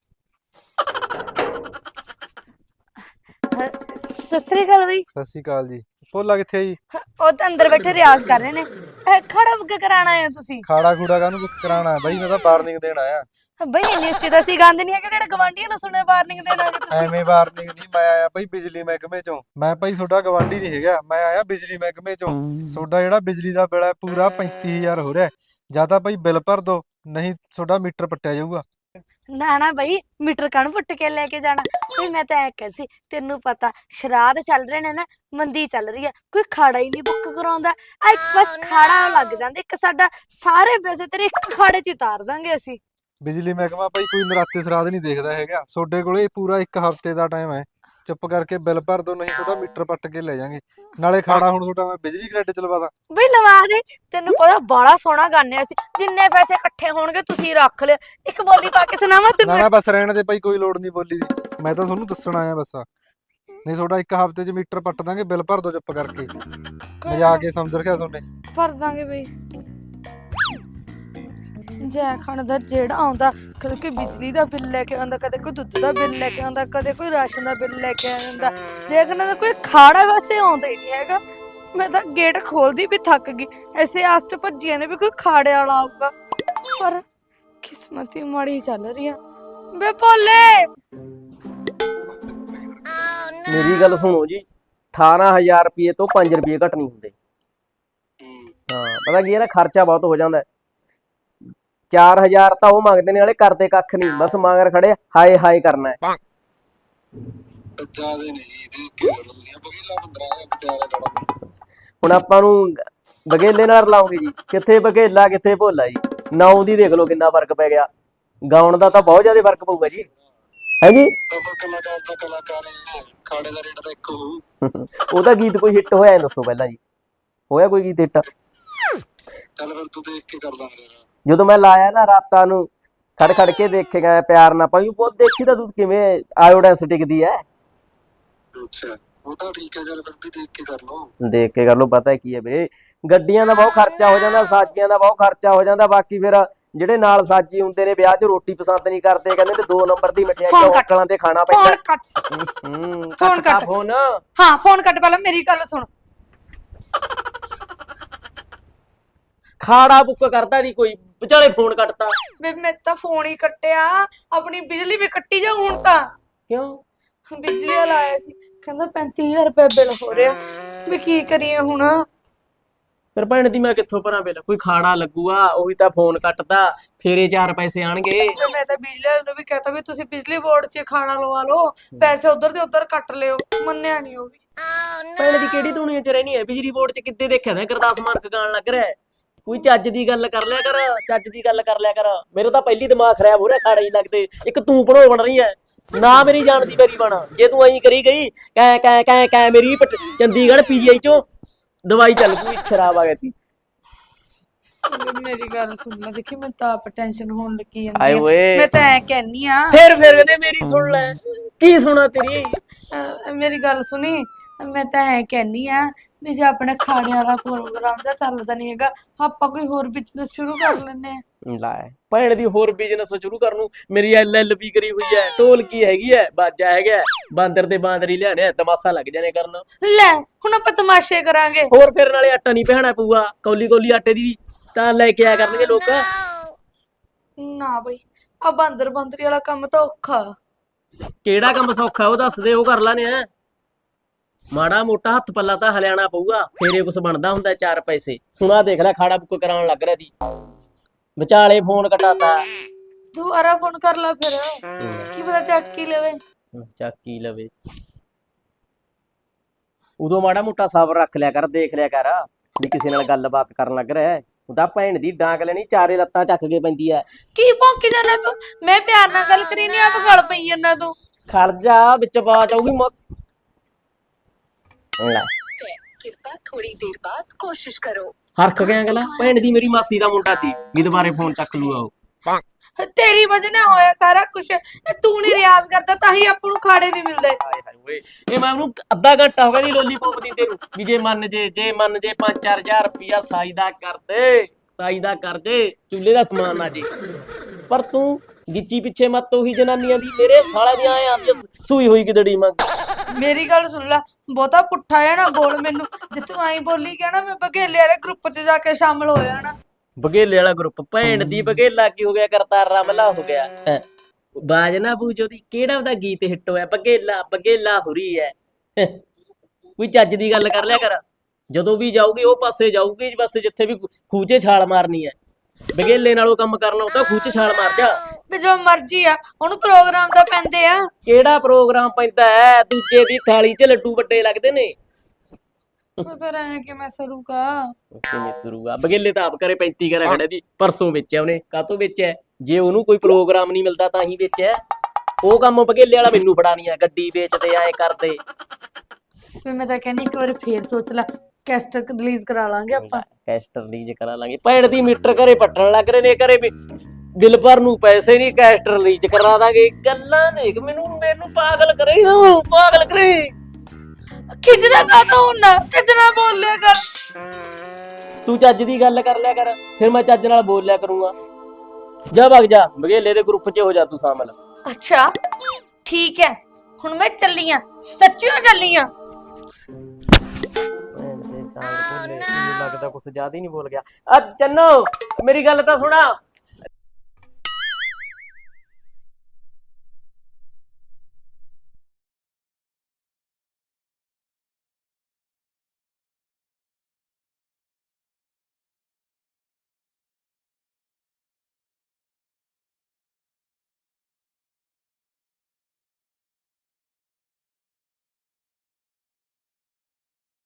ਸਤਿ ਸ੍ਰੀ ਅਕਾਲ ਬਈ। ਸਤਿ ਸ਼੍ਰੀ ਅਕਾਲ ਜੀ। ਭੋਲਾ ਕਿੱਥੇ ਆ ਜੀ? ਉਹ ਤਾਂ ਅੰਦਰ ਬੈਠੇ ਰਿਆਜ਼ ਕਰ ਰਹੇ ਨੇ। ਖੜਾ ਬੁੱਕ ਕਰਾਣਾ ਹੈ ਤੁਸੀਂ? ਖਾੜਾ ਖੂੜਾ ਕਾਹਨੂੰ ਬੁੱਕ ਕਰਾਉਣਾ ਬਾਈ, ਮੈਂ ਤਾਂ ਵਾਰਨਿੰਗ ਦੇਣ ਆਇਆ। ਬਈ ਇੰਨੀ ਉੱਚੀ ਤਾਂ ਅਸੀਂ ਗਾਉਂਦੇ ਨਹੀਂ ਹੈਗੇ, ਜਿਹੜੇ ਗਵਾਂਢੀਆਂ ਨੂੰ ਸੁਣੇ ਵਾਰਨਿੰਗ ਦੇਣਾ ਕਿ ਤੁਸੀਂ। ਐਵੇਂ ਵਾਰਨਿੰਗ ਨਹੀਂ, ਮੈਂ ਆਇਆ ਬਾਈ ਬਿਜਲੀ ਮਹਿਕਮੇ ਚੋਂ। ਮੈਂ ਭਾਈ ਤੁਹਾਡਾ ਗਵਾਂਢੀ ਨਹੀਂ ਹੈਗਾ, ਮੈਂ ਆਇਆ ਬਿਜਲੀ ਮਹਿਕਮੇ ਚੋਂ। ਤੁਹਾਡਾ ਜਿਹੜਾ ਬਿਜਲੀ ਦਾ ਬਿੱਲ ਹੈ ਪੂਰਾ 35000 ਹੋ ਰਿਹਾ। ਜਾਂ ਤਾਂ ਭਾਈ ਬਿੱਲ ਭਰ ਦੋ, ਨਹੀਂ ਤੁਹਾਡਾ ਮੀਟਰ ਪੱਟਿਆ ਜਾਊਗਾ। ਨਾ ਨਾ ਬਈ, ਮੀਟਰ ਕਾਹਨੂੰ ਪੁੱਟ ਕੇ ਲੈ ਕੇ ਜਾਣਾ। ਬਈ ਮੈਂ ਤਾਂ ਐ ਕਹਿ ਸੀ, ਤੈਨੂੰ ਪਤਾ ਸ਼ਰਾਧ ਚੱਲ ਰਹੇ ਨੇ ਨਾ, ਮੰਦੀ ਚੱਲ ਰਹੀ ਹੈ, ਕੋਈ ਖਾੜਾ ਹੀ ਨਹੀਂ ਬੁੱਕ ਕਰਾਉਂਦਾ। ਆ ਇੱਕ ਬਸ ਖਾੜਾ ਲੱਗ ਜਾਂਦਾ ਇੱਕ ਸਾਡਾ, ਸਾਰੇ ਪੈਸੇ ਤੇਰੇ ਇੱਕ ਖਾੜੇ 'ਚ ਹੀ ਤਾਰ ਦਾਂਗੇ ਅਸੀਂ। ਬਿਜਲੀ ਮਹਿਕਮਾ ਭਾਈ ਕੋਈ ਨਰਾਤੇ ਸਰਾਧ ਨਹੀਂ ਦੇਖਦਾ ਹੈਗਾ। ਤੁਹਾਡੇ ਕੋਲੇ ਪੂਰਾ 1 ਹਫ਼ਤੇ ਦਾ ਟਾਈਮ ਹੈ, ਚੁੱਪ ਕਰਕੇ ਬਿੱਲ ਭਰ ਦੋ, ਨਹੀਂ ਤੁਹਾਡਾ ਮੀਟਰ ਪੱਟ ਕੇ ਲੈ ਜਾਾਂਗੇ। ਨਾਲੇ ਖਾੜਾ ਹੁਣ ਤੁਹਾਡਾ ਮੈਂ ਬਿਜਲੀ ਗ੍ਰਿਡ ਚ ਲਵਾ ਦਾਂ। ਬਈ ਲਵਾ ਦੇ, ਤੈਨੂੰ ਪਤਾ ਬਾਲਾ ਸੋਹਣਾ ਗਾਣੇ ਅਸੀਂ, ਜਿੰਨੇ ਪੈਸੇ ਇਕੱਠੇ ਹੋਣਗੇ ਤੁਸੀਂ ਰੱਖ ਲਿਓ। ਇੱਕ ਬੋਲੀ ਪਾ ਕੇ ਸੁਣਾਵਾਂ ਨਾ ਤੈਨੂੰ? ਨਾ ਬਸ ਰਹਿਣ ਦੇ ਭਾਈ, ਕੋਈ ਲੋੜ ਨਹੀਂ ਬੋਲੀ ਦੀ, ਮੈਂ ਤਾਂ ਤੁਹਾਨੂੰ ਦੱਸਣ ਆਇਆ ਬਸ। ਨਹੀਂ ਤੁਹਾਡਾ 1 ਹਫ਼ਤੇ ਚ ਮੀਟਰ ਪੱਟ ਦਾਂਗੇ, ਬਿੱਲ ਭਰ ਦੋ ਚੁੱਪ ਕਰਕੇ। ਮਜ਼ਾਕ ਕੇ ਸਮਝ ਰਖਿਆ ਤੁਹਾਨੇ। ਭਰ ਦਾਂਗੇ ਬਈ। ਜੈ ਖਾਨ ਦਾ ਜਿਹੜਾ ਆਉਂਦਾ, ਕਦੇ ਕੋਈ ਬਿਜਲੀ ਦਾ ਬਿੱਲ ਲੈ ਕੇ ਆਉਂਦਾ, ਕਦੇ ਕੋਈ ਦੁੱਧ ਦਾ ਬਿੱਲ ਲੈ ਕੇ ਆਉਂਦਾ, ਕਦੇ ਕੋਈ ਰਾਸ਼ਨ ਦਾ ਬਿੱਲ ਲੈ ਕੇ ਆ ਜਾਂਦਾ। ਜੈ ਖਾਨ ਦਾ ਕੋਈ ਖਾੜਾ ਵਾਸਤੇ ਆਉਂਦਾ ਹੀ ਨਹੀਂ ਹੈਗਾ। ਮੈਂ ਤਾਂ ਗੇਟ ਖੋਲਦੀ ਵੀ ਥੱਕ ਗਈ, ਐਸੇ ਆਸ 'ਚ ਭੱਜੀਆਂ ਨੇ ਵੀ ਕੋਈ ਖਾੜੇ ਵਾਲਾ ਆਊਗਾ, ਪਰ ਕਿਸਮਤ ਹੀ ਮਾੜੀ ਚੱਲ ਰਹੀ ਆ। ਬੇ ਭੋਲੇ, ਮੇਰੀ ਗੱਲ ਸੁਣੋ ਜੀ, 18000 ਰੁਪਏ ਤੋਂ 5 ਰੁਪਏ ਘੱਟ ਨਹੀਂ ਹੁੰਦੇ। ਹਾਂ ਪਤਾ ਕੀ ਇਹਦਾ ਖਰਚਾ ਬਹੁਤ ਹੋ ਜਾਂਦਾ। 4000 ਤਾਂ ਉਹ ਮੰਗਦੇ ਨੇ, ਵਾਲੇ ਕਰਦੇ ਕੱਖ ਨਹੀਂ, ਬਸ ਮਗਰ ਖੜੇ ਹਾਏ ਹਾਏ ਕਰਨਾ ਹੈ। ਹੁਣ ਆਪਾਂ ਨੂੰ ਬਗੇਲੇ ਨਾਲ ਲਾਉਂਗੇ ਜੀ, ਕਿੱਥੇ ਬਗੇਲਾ ਕਿੱਥੇ ਭੋਲਾ ਜੀ। ਨਾਉ ਦੀ ਦੇਖ ਲਓ ਕਿੰਨਾ ਫਰਕ ਪੈ ਗਿਆ, ਗਾਉਣ ਦਾ ਤਾਂ ਬਹੁਤ ਜ਼ਿਆਦਾ ਫਰਕ ਪਊਗਾ ਜੀ। ਹੈ ਜੀ ਉਹਦਾ ਗੀਤ ਕੋਈ ਹਿੱਟ ਹੋਇਆ ਦੱਸੋ ਪਹਿਲਾਂ ਜੀ, ਹੋਇਆ ਕੋਈ ਗੀਤ ਹਿੱਟ? ਚੱਲ ਫਿਰ ਤੂੰ ਦੇਖ ਕੇ ਕਰ ਲਾਂਗੇ। ਜਦੋਂ ਮੈਂ ਲਾਇਆ ਨਾ ਰਾਤਾਂ ਨੂੰ, ਖੜ ਖੜ ਕੇ ਦੇਖੇਗਾ ਪਿਆਰ ਨਾ ਪਾਈ, ਬਹੁਤ ਦੇਖੀ ਤਾਂ ਤੂੰ ਕਿਵੇਂ ਆਇਓਡੈਂਸ ਟਿਕਦੀ ਹੈ। ਅੱਛਾ ਉਹ ਤਾਂ ਠੀਕ ਹੈ, ਚੱਲ ਫਿਰ ਵੀ ਦੇਖ ਕੇ ਕਰ ਲਓ। ਦੇਖ ਕੇ ਕਰ ਲਓ। ਪਤਾ ਕੀ ਹੈ ਵੀਰੇ, ਗੱਡੀਆਂ ਦਾ ਬਹੁਤ ਖਰਚਾ ਹੋ ਜਾਂਦਾ, ਸਾਜੀਆਂ ਦਾ ਬਹੁਤ ਖਰਚਾ ਹੋ ਜਾਂਦਾ। ਬਾਕੀ ਫਿਰ ਜਿਹੜੇ ਨਾਲ ਸਾਜੀ ਹੁੰਦੇ ਨੇ ਵਿਆਹ 'ਚ ਰੋਟੀ ਪਸੰਦ ਨਹੀਂ ਕਰਦੇ, ਕਹਿੰਦੇ ਤੇ 2 ਨੰਬਰ ਦੀ ਮਠਿਆਈ ਚੌਂਕਲਾਂ ਤੇ ਖਾਣਾ ਪੈਂਦਾ। ਫੋਨ ਕੱਟ, ਫੋਨ ਕੱਟ ਫੋਨ। ਹਾਂ ਫੋਨ ਕੱਟ, ਪਹਿਲਾਂ ਮੇਰੀ ਗੱਲ ਸੁਣ। ਖਾੜਾ ਬੁੱਕ ਕਰਦਾ ਨਹੀਂ ਕੋਈ, ਵਿਚਾਲੇ ਫੋਨ ਕੱਟਤਾ। ਵੇ ਮੈਂ ਤਾਂ ਫੋਨ ਹੀ ਕੱਟਿਆ, ਆਪਣੀ ਬਿਜਲੀ ਵੀ ਕੱਟੀ ਜਾ ਹੁਣ ਤਾਂ। ਕਿਉਂ? ਬਿਜਲੀ ਵਾਲਾ ਆਇਆ ਸੀ, ਕਹਿੰਦਾ 35000 ਰੁਪਏ ਬਿੱਲ ਹੋ ਰਿਹਾ, ਵੀ ਕੀ ਕਰੀਏ ਹੁਣ। ਫਿਰ ਭੈਣ ਦੀ ਮੈਂ ਕਿੱਥੋਂ ਭਰਾਂ ਬਿੱਲ? ਕੋਈ ਖਾੜਾ ਲੱਗੂਗਾ, ਉਹ ਵੀ ਤਾਂ ਫੋਨ ਕੱਟਦਾ, ਫੇਰੇ 4 ਪੈਸੇ ਆਣਗੇ। ਤੇ ਮੈਂ ਤਾਂ ਬਿਜਲੀ ਵਾਲੇ ਨੂੰ ਵੀ ਕਹਤਾ ਵੀ ਤੁਸੀਂ ਬਿਜਲੀ ਬੋਰਡ 'ਚ ਖਾਣਾ ਲਵਾ ਲਓ, ਪੈਸੇ ਉਧਰ ਦੇ ਉਧਰ ਕੱਟ ਲਿਓ, ਮੰਨਿਆ ਨਹੀਂ ਉਹ ਵੀ। ਭੈਣ ਦੀ ਕਿਹੜੀ ਦੁਨੀਆ 'ਚ ਰਹਿਣੀ ਹੈ? ਬਿਜਲੀ ਬੋਰਡ 'ਚ ਕਿੱਦੇ ਦੇਖਿਆ ਤਾਂ ਗੁਰਦਾਸ ਮਾਨਕ ਗਾਣ ਲੱਗ ਰਿਹਾ। ਕੋਈ ਚੱਜ ਦੀ ਗੱਲ ਕਰ ਲਿਆ ਕਰ, ਚੱਜ ਦੀ ਗੱਲ ਕਰ ਲਿਆ ਕਰ। ਮੇਰੇ ਤਾਂ ਪਹਿਲੀ ਦਿਮਾਗ ਖਰਾਬ ਹੋ ਰਿਹਾ, ਖਾੜੇ ਹੀ ਲੱਗਦੇ। ਇੱਕ ਤੂੰ ਭਣੋ ਬਣ ਰਹੀ ਹੈ ਨਾ, ਮੇਰੀ ਜਾਣ ਦੀ ਮੇਰੀ ਬਣ। ਜੇ ਤੂੰ ਐਂ ਕਰੀ ਗਈ ਕੈ ਕੈ ਕੈ ਕੈ, ਮੇਰੀ ਚੰਡੀਗੜ੍ਹ PGI 'ਚੋਂ ਦਵਾਈ ਚੱਲ ਪਈ, ਸ਼ਰਾਬ ਆ ਗਈ ਸੀ। ਮੇਰੀ ਗੱਲ ਸੁਣ ਲੈ, ਦੇਖੀ ਮੈਂ ਤਾਂ ਆਪ ਟੈਨਸ਼ਨ ਹੋਣ ਲੱਗੀ ਆਏ ਜਾਂਦੀ ਓਏ, ਆ। ਮੈਂ ਤਾਂ ਐ ਕਹਿਨੀ ਆ, ਫਿਰ ਕਹਿੰਦੇ ਮੇਰੀ ਸੁਣ ਲੈ। ਕੀ ਸੁਣਾ ਤੇਰੀ? ਮੇਰੀ ਗੱਲ ਸੁਣੀ, ਮੈਂ ਤਾਂ ਐ ਕਹਿੰਨੀ ਆ ਵੀ ਜੇ ਆਪਣੇ ਖਾਣੇ ਵਾਲਾ ਪ੍ਰੋਗਰਾਮ ਦਾ ਚੱਲਦਾ ਨਹੀਂ ਹੈਗਾ ਆਪਾਂ ਕੋਈ ਹੋਰ ਬਿਜ਼ਨਸ ਸ਼ੁਰੂ ਕਰ ਲੈਂਦੇ ਆ। ਲੈ ਭੈਣ ਦੀ ਹੋਰ ਬਿਜ਼ਨਸ ਸ਼ੁਰੂ ਕਰਨ ਨੂੰ ਮੇਰੀ LLB ਕਰੀ ਹੋਈ ਹੈ, ਢੋਲਕੀ ਹੈਗੀ ਹੈ, ਬਾਜਾ ਹੈਗਾ ਹੈ, ਬਾਂਦਰ ਤੇ ਬਾਂਦਰੀ ਲਿਆਣੇ ਆ, ਤਮਾਸ਼ਾ ਲੱਗ ਜਾਣੇ ਕਰਨ। ਲੈ ਹੁਣ ਆਪਾਂ ਤਮਾਸ਼ੇ ਕਰਾਂਗੇ। ਹੋਰ ਫਿਰ ਨਾਲੇ ਆਟਾ ਨਹੀਂ ਪਹਿਣਾ ਪਊਗਾ, ਕੌਲੀ ਕੌਲੀ ਆਟੇ ਦੀ ਤਾਂ ਲੈ ਕੇ ਆਇਆ ਕਰਨਗੇ ਲੋਕ। ਨਾ ਬਈ ਆ ਬਾਂਦਰ ਬਾਂਦਰੀ ਵਾਲਾ ਕੰਮ ਤਾਂ ਔਖਾ। ਕਿਹੜਾ ਕੰਮ ਸੌਖਾ ਉਹ ਦੱਸ ਦੇ, ਉਹ ਕਰ ਲਾਨੇ ਆ। ਮਾੜਾ ਮੋਟਾ ਹੱਥ ਪੱਲਾ ਤਾਂ ਹਲਿਆਣਾ ਪਊਗਾ, ਫੇਰੇ ਕੁਛ ਬਣਦਾ ਹੁੰਦਾ 4 ਪੈਸੇ। ਹੁਣ ਆਹ ਦੇਖ ਲੈ ਖਾੜਾ ਬੁੱਕ ਕਰਾਉਣ ਲੱਗ ਰਿਹਾ ਦੀ, ਵਿਚਾਲੇ ਫੋਨ ਕਟਾਤਾ। ਦੁਬਾਰਾ ਫੋਨ ਕਰ ਲੈ ਫਿਰ, ਕੀ ਪਤਾ ਚੱਕ ਹੀ ਲਵੇ। ਚੱਕੀ ਲਵੇ, ਉਦੋਂ ਮਾੜਾ ਮੋਟਾ ਸਬਰ ਰੱਖ ਲਿਆ ਕਰ, ਦੇਖ ਲਿਆ ਕਰ ਵੀ ਕਿਸੇ ਨਾਲ ਗੱਲਬਾਤ ਕਰਨ ਲੱਗ ਰਿਹਾ। ਉਹਦਾ ਭੈਣ ਦੀ ਡਾਂਗ ਲੈਣੀ, ਚਾਰੇ ਲੱਤਾਂ ਚੱਕ ਕੇ ਪੈਂਦੀ ਐ। ਕੀ ਭੌਂਕੀ ਜਾਣਾ ਤੂੰ? ਮੈਂ ਪਿਆਰ ਨਾਲ ਗੱਲ ਕਰੀ ਨਹੀਂ, ਆਪ ਗਲ ਪਈ ਜਾਂਦਾ ਤੂੰ। ਖੜ ਜਾ, ਵਿੱਚ ਬਾਜ ਆਊਗੀ ਲੈ कृपया थोड़ी देर बाद कोशिश करो। ਹਰਖ ਗਿਆ ਅਗਲਾ, ਭੈਣ ਦੀ ਮੇਰੀ ਮਾਸੀ ਦਾ ਮੁੰਡਾ ਸੀ ਵੀ ਦੁਬਾਰੇ ਫੋਨ ਚੱਕ ਲੂਗਾ ਉਹ। ਤੇਰੀ ਵਜ੍ਹਾ ਨਾਲ ਹੋਇਆ ਸਾਰਾ ਕੁਝ। ਤੂੰ ਨਹੀਂ ਰਿਆਜ਼ ਕਰਦਾ ਤਾਂ ਹੀ ਆਪਾਂ ਨੂੰ ਖਾੜੇ ਨਹੀਂ ਮਿਲਦੇ। ਹਾਏ ਹਾਏ ਓਏ, ਇਹ ਮੈਂ ਉਹਨੂੰ ਅੱਧਾ ਘੰਟਾ ਹੋ ਗਿਆ ਦੀ ਲੋਲੀਪੌਪ ਦਿੰਦੇ ਨੂੰ ਵੀ ਜੇ ਮੰਨ ਜੇ 5-4000 ਰੁਪਿਆ ਸਾਈ ਦਾ ਕਰ ਦੇ, ਸਾਈ ਦਾ ਕਰ ਦੇ, ਚੁੱਲ੍ਹੇ ਦਾ ਸਮਾਨ ਨਾ ਜੇ। ਪਰ ਤੂੰ ਗਿੱਚੀ ਪਿੱਛੇ ਮੱਤ ਉਹੀ ਜਨਾਨੀਆਂ ਦੀ, ਮੇਰੇ ਸਾਲਾ ਦੀ ਆਏ ਆਪ ਸੂਈ ਹੋਈ ਕਿਦੜੀ ਮੰਗ। ਮੇਰੀ ਗੱਲ ਸੁਣ ਲੈ, ਬਹੁਤਾ ਪੁੱਠਾ ਹੈ ਨਾ ਬੋਲ ਮੈਨੂੰ। ਜੇ ਤੂੰ ਐਂ ਬੋਲੀ ਗਿਆ ਨਾ ਮੈਂ ਬਘੇਲੇ ਵਾਲੇ ਗਰੁੱਪ 'ਚ ਜਾ ਕੇ ਸ਼ਾਮਲ ਹੋ ਜਾਣਾ। ਬਘੇਲੇ ਵਾਲਾ ਗਰੁੱਪ? ਭੈਣ ਦੀ ਬਘੇਲਾ ਕੀ ਹੋ ਗਿਆ, ਕਰਤਾਰ ਰਮਲਾ ਹੋ ਗਿਆ। ਬਾਜ ਨਾ ਬੂਝੋ ਦੀ, ਕਿਹੜਾ ਉਹਦਾ ਗੀਤ ਹਿੱਟ ਹੋਇਆ, ਬਘੇਲਾ ਬਘੇਲਾ ਹੋ ਰਹੀ ਹੈ। ਕੋਈ ਚੱਜ ਦੀ ਗੱਲ ਕਰ ਲਿਆ ਕਰ, ਜਦੋਂ ਵੀ ਜਾਊਗੀ ਉਹ ਪਾਸੇ ਜਾਊਗੀ ਬਸ ਜਿੱਥੇ ਵੀ ਖੂਚੇ ਛਾਲ ਮਾਰਨੀ ਹੈ। ਬਘੇਲੇ ਨਾਲੋਂ ਕੰਮ ਕਰਨਾ ਉਹ ਤਾਂ ਖੂਚੇ ਛਾਲ ਮਾਰ ਜਾ। ਵੀ ਜੋ ਮਰਜ਼ੀ ਆ, ਉਹਨੂੰ ਪ੍ਰੋਗਰਾਮ ਤਾਂ ਪੈਂਦੇ ਆ। ਕਿਹੜਾ ਪ੍ਰੋਗਰਾਮ ਪੈਂਦਾ ਹੈ? ਦੂਜੇ ਦੀ ਥਾਲੀ 'ਚ ਲੱਡੂ ਵੱਡੇ ਲੱਗਦੇ ਨੇ। ਫਿਰ ਐ ਕਿ ਮੈਂ ਸਰੂਗਾ ਕਿਵੇਂ ਸਰੂਗਾ? ਬਘੇਲੇ ਤਾਂ ਆਪ ਕਰੇ 35 ਕਰਾ ਖੜਾ ਦੀ, ਪਰਸੋਂ ਵੇਚਿਆ ਉਹਨੇ। ਕਾਹਤੋਂ ਵੇਚਿਆ? ਜੇ ਉਹਨੂੰ ਕੋਈ ਪ੍ਰੋਗਰਾਮ ਨਹੀਂ ਮਿਲਦਾ ਤਾਂ ਹੀ ਵੇਚਿਆ। ਉਹ ਕੰਮ ਬਘੇਲੇ ਵਾਲਾ ਮੈਨੂੰ ਫੜਾਣੀ ਆ, ਗੱਡੀ ਵੇਚਦੇ ਐ ਕਰਦੇ। ਫਿਰ ਮੈਂ ਤਾਂ ਕਹਿੰਦੀ ਇੱਕ ਵਾਰ ਫੇਰ ਸੋਚ ਲੈ, ਕੈਸਟ ਰਿਲੀਜ਼ ਕਰਾ ਲਾਂਗੇ ਆਪਾਂ। ਕੈਸਟ ਰਿਲੀਜ਼ ਕਰਾ ਲਾਂਗੇ। ਭੈਣ ਦੀ ਮੀਟਰ ਘਰੇ ਪੱਟਣ ਲੱਗ ਰਹੇ ਨੇ, ਘਰੇ ਵੀ ਬਿੱਲ ਭਰਨ ਨੂੰ ਪੈਸੇ ਨਹੀਂ, ਕੈਸਟ ਰਿਲੀਜ਼ ਕਰਾ ਦਾਂਗੇ। ਗੱਲਾਂ ਦੇਖ, ਮੈਨੂੰ ਪਾਗਲ ਕਰੇ, ਪਾਗਲ ਕਰੇ। ਖਿਜਦਾ ਕਾਹਤੋਂ ਹੁੰਦਾ? ਚੱਜ ਨਾਲ ਬੋਲ ਲਿਆ ਕਰ। ਤੂੰ ਚੱਜ ਦੀ ਗੱਲ ਕਰ ਲਿਆ ਕਰ, ਫਿਰ ਮੈਂ ਚੱਜ ਨਾਲ ਬੋਲ ਲਿਆ ਕਰੂੰਗਾ। ਜਾ ਭਗ ਜਾ, ਬਘੇਲੇ ਦੇ ਗਰੁੱਪ 'ਚ ਹੋ ਜਾ ਤੂੰ ਸ਼ਾਮਲ। ਅੱਛਾ ਠੀਕ ਹੈ, ਹੁਣ ਮੈਂ ਚੱਲੀ ਆਂ, ਸੱਚੀਓ ਚੱਲੀ ਆਂ। ਲੱਗਦਾ ਕੁਛ ਜ਼ਿਆਦਾ ਹੀ ਨਹੀਂ ਬੋਲ ਗਿਆ। ਆ ਚੰਨੋ, ਮੇਰੀ ਗੱਲ ਤਾਂ ਸੁਣਾ।